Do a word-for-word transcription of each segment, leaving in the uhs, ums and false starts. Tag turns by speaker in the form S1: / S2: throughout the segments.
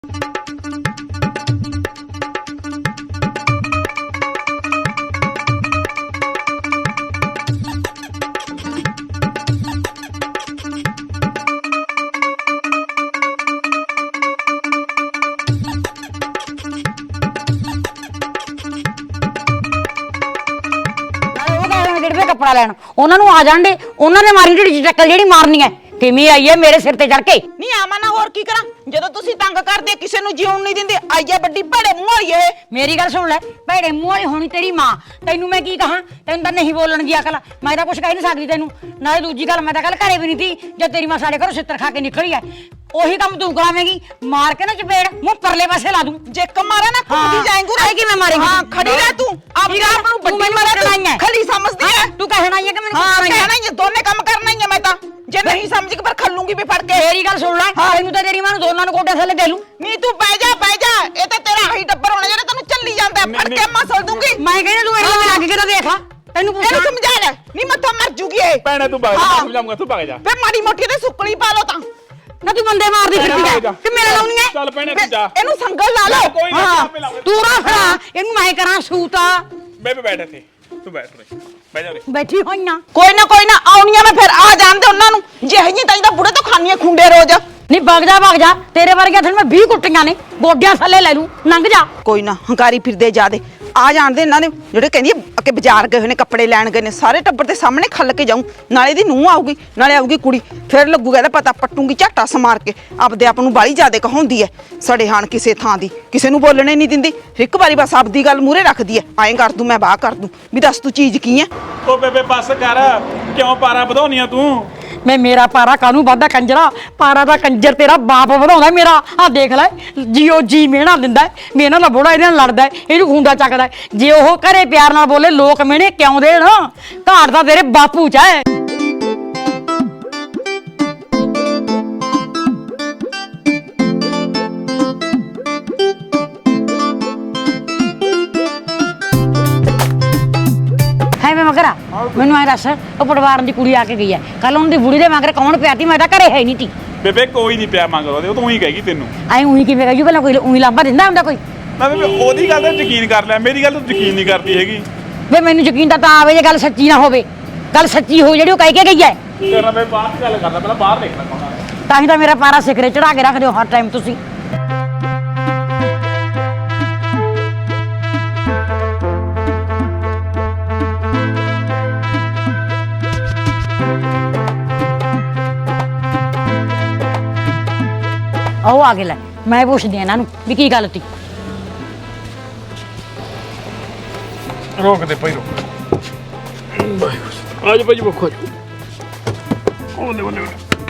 S1: कपड़ा लैन उन्होंने आ जान दे उन्होंने मारी ढिड च टक्कर जेड़ी मारनी है किवें आई है मेरे सिर ते चढ़ के
S2: नहीं आवा ना होर की करा जदों तुसी तंग करदे किसे नु जीवन नहीं दिंदे आई है बड़ी भड़े मुंह वाली है
S1: मेरी गल सुन ले भैड़े मुंह वाली होनी तेरी मां तैनू मैं की कहां तैनू तां नहीं बोलण दी अकल मैं तां कुछ कह नहीं सकदी तैनू नाले दूजी गल मैं तां कल घरे भी नहीं थी जब तेरी मां साडे घरों सिੱਤਰ खा के निकली है ओही काम तू करावेंगी मार के ना चपेड़ मुंह परले पासे ला दूं
S2: जे कमारा ना कुदी जाएंगे
S1: आई कि मैं मारेंगी
S2: हां खड़ी रह तू अब आप नु बड़ी मारना है खली समझदी है
S1: तू कहना ही है कि मैंने
S2: हां कहना ही दोने काम करना ही है मैं तां जे नहीं समझ के पर खलूंगी भी फड़ के
S1: मेरी गल सुन ले तैनू तां तेरी मां नु दोनां नु कोटे थल्ले दे लूं
S2: नी तू बह जा बह जा ए ते तेरा हाई डब्बर होना जेड़ा तन्नू चली जांदा फड़ के मसल दूंगी
S1: मैं कहना तू एने लग के तो देखा तैनू पूछ
S2: ਇਹਨੂੰ ਸਮਝਾ ਲੈ ਨਹੀਂ ਮੈਂ ਤਾਂ ਮਰ ਜੂਗੀ ਏ
S3: ਭੈਣੇ ਤੂੰ ਭਾਗ ਜਾ ਸਮਝਾਉਂਗਾ ਤੂੰ ਭਾਗ ਜਾ
S2: ਫੇ ਮਾੜੀ ਮੋਟੀ ਤੇ ਸੁੱਕਣੀ ਪਾ ਲੋ ਤਾਂ
S1: ਨਾ ਤੂੰ ਬੰਦੇ ਮਾਰਦੀ ਫਿਰਦੀ ਹੈ ਕਿ ਮੇਰੇ ਲਾਉਣੀ ਹੈ
S3: ਚੱਲ ਭੈਣੇ ਤੂੰ ਜਾ
S2: ਇਹਨੂੰ ਸੰਗਲ ਲਾ ਲਓ
S3: ਕੋਈ ਨਾ ਆਪੇ ਲਾਉਂਗਾ
S1: ਤੂੰ ਰੱਖ ਲੈ ਇਹਨੂੰ ਮੈਂ ਕਰਾਂ ਸੂਤਾ
S3: ਮੈਂ ਵੀ ਬੈਠ ਇੱਥੇ ਤੂੰ ਬੈਠ ਰੇ ਬਹਿ ਜਾ ਰੇ
S1: ਬੈਠੀ ਹੋਈ ਨਾ
S2: ਕੋਈ ਨਾ ਕੋਈ ਨਾ ਆਉਣੀਆਂ ਮੈਂ ਫਿਰ ਆ ਜਾਂਦੇ ਉਹਨਾਂ ਨੂੰ ਜਿਹੇ ਜੀ ਤਾਈ ਦਾ ਬੁੜੇ ਤੋਂ ਖਾਣੀਆਂ ਖੁੰਡੇ ਰੋਜ਼
S1: ਨਹੀਂ ਵਗ ਜਾ ਵਗ ਜਾ ਤੇਰੇ ਵਰਗੇ ਥਲ ਮੈਂ ਵੀਹ ਕੁੱਟੀਆਂ ਨੇ ਗੋਡਿਆਂ ਥੱਲੇ ਲੈ ਲੂੰ ਲੰਘ ਜਾ
S2: ਕੋਈ ਨਾ ਹੰਕਾਰੀ ਫਿਰਦੇ ਜਾਦੇ ਆ ਜਾਣਦੇ ਇਹਨਾਂ ਦੇ ਜਿਹੜੇ ਕਹਿੰਦੀ ਅੱਗੇ ਬਾਜ਼ਾਰ ਗਏ ਹੋਏ ਨੇ ਕੱਪੜੇ ਲੈਣ ਗਏ ਨੇ ਸਾਰੇ ਟੱਬਰ ਦੇ ਸਾਹਮਣੇ ਖੱਲ ਕੇ ਜਾਊਂ ਨਾਲੇ ਦੀ ਨੂੰਹ ਆਊਗੀ ਨਾਲੇ ਆਊਗੀ ਕੁੜੀ ਫਿਰ ਲੱਗੂਗਾ ਇਹਦਾ ਪਤਾ ਪੱਟੂਗੀ ਝਾਟਾ ਸਮਾਰ ਕੇ ਆਪਦੇ ਆਪ ਨੂੰ ਬਾਲੀ ਜ਼ਿਆਦੇ ਕਹਾਉਂਦੀ ਐ ਸੜੇ ਹਾਣ ਕਿਸੇ ਥਾਂ ਦੀ ਕਿਸੇ ਨੂੰ ਬੋਲਣੇ ਨਹੀਂ ਦਿੰਦੀ ਇੱਕ ਵਾਰੀ ਬਸ ਆਪਦੀ ਗੱਲ ਮੂਰੇ ਰੱਖਦੀ ਐ ਐਂ ਕਰ ਦੂੰ ਮੈਂ ਬਾਹ ਕਰ ਦੂੰ ਵੀ ਦੱਸ ਤੂੰ ਚੀਜ਼ ਕੀ ਐ
S3: ਓ ਬੇਬੇ ਬੱਸ ਕਰ ਕਿਉਂ ਪਾਰਾ ਵਧਾਉਣੀਆਂ ਤੂੰ
S1: ਮੈਂ ਮੇਰਾ ਪਾਰਾ ਕਾਹਨੂੰ ਵਾਧਾ ਕੰਜਰਾ ਪਾਰਾ ਦਾ ਕੰਜਰ ਤੇਰਾ ਬਾਪ ਵਧਾਉਂਦਾ ਮੇਰਾ ਆ ਦੇਖ ਲੈ ਜੀਓ ਜੀ ਮਿਹਣਾ ਦਿੰਦਾ ਮੇਨਾ ਦਾ ਬੋੜਾ ਇਹਦੇ ਨਾਲ ਲੜਦਾ ਇਹਨੂੰ ਖੁੰਡਾ ਚੱਕਦਾ ਜੇ ਉਹ ਘਰੇ ਪਿਆਰ ਨਾਲ ਬੋਲੇ ਲੋਕ ਮਿਹਣੇ ਕਿਉਂ ਦੇਣ ਘਾਟ ਦਾ ਤੇਰੇ ਬਾਪੂ ਚ ਹੈ मैं मगरा मैनू ऐ दस ਉਹ ਪਟਵਾਰਨ ਦੀ ਕੁੜੀ ਆ ਕੇ ਗਈ ਹੈ ਕੱਲ ਉਹਨਾਂ ਦੀ ਬੁੜੀ ਦੇ ਮਗਰ ਕੌਣ ਪਿਆ ਤੀ ਮੈਂ ਤਾਂ ਘਰੇ ਹੈ ਨਹੀਂ ਤੀ
S3: ਬੇਬੇ ਕੋਈ ਨਹੀਂ ਪਿਆ ਮੰਗਦਾ ਉਹ ਤੂੰ ਹੀ ਕਹੇਗੀ ਤੈਨੂੰ
S1: ਐ ਉਹੀ ਕਿਵੇਂ ਕਹੀ ਪਹਿਲਾਂ ਕੋਈ ਉਹੀ ਲਾਂਭਾ ਦਿੰਦਾ ਹੁੰਦਾ ਕੋਈ
S3: ਨਾ ਬੇਬੇ ਉਹਦੀ ਗੱਲ ਤੇ ਯਕੀਨ ਕਰ ਲੈ ਮੇਰੀ ਗੱਲ ਤੂੰ ਯਕੀਨ ਨਹੀਂ ਕਰਦੀ ਹੈਗੀ
S1: ਵੇ ਮੈਨੂੰ ਯਕੀਨ ਤਾਂ ਤਾਂ ਆਵੇ ਜੇ ਗੱਲ ਸੱਚੀ ਨਾ ਹੋਵੇ ਗੱਲ ਸੱਚੀ ਹੋ ਜਿਹੜੀ ਉਹ ਕਹਿ ਕੇ ਗਈ ਹੈ
S3: ਤੇਰਾ ਮੈਂ ਬਾਹਰ ਦੀ ਗੱਲ ਕਰਦਾ ਪਹਿਲਾਂ ਬਾਹਰ ਦੇਖ ਲੈ ਕੌਣ ਆ
S1: ਤਾਂ ਹੀ ਤਾਂ ਮੇਰਾ ਪਾਰਾ ਸਿਖਰੇ ਚੜਾ ਕੇ ਰੱਖਦੇ ਹੋ ਹਰ ਟਾਈਮ ਤੁਸੀਂ ਆਓ ਆ ਕੇ ਲੈ ਮੈਂ ਪੁੱਛਦੀ ਇਹਨਾਂ ਨੂੰ ਵੀ ਕੀ ਗੱਲ ਤੀ
S3: ਰੋਕ ਦੇ ਭਾਈ ਰੋਕ ਆਜ ਭਾਈ ਬਖੋ ਉਹਨੇ ਉਹਨੇ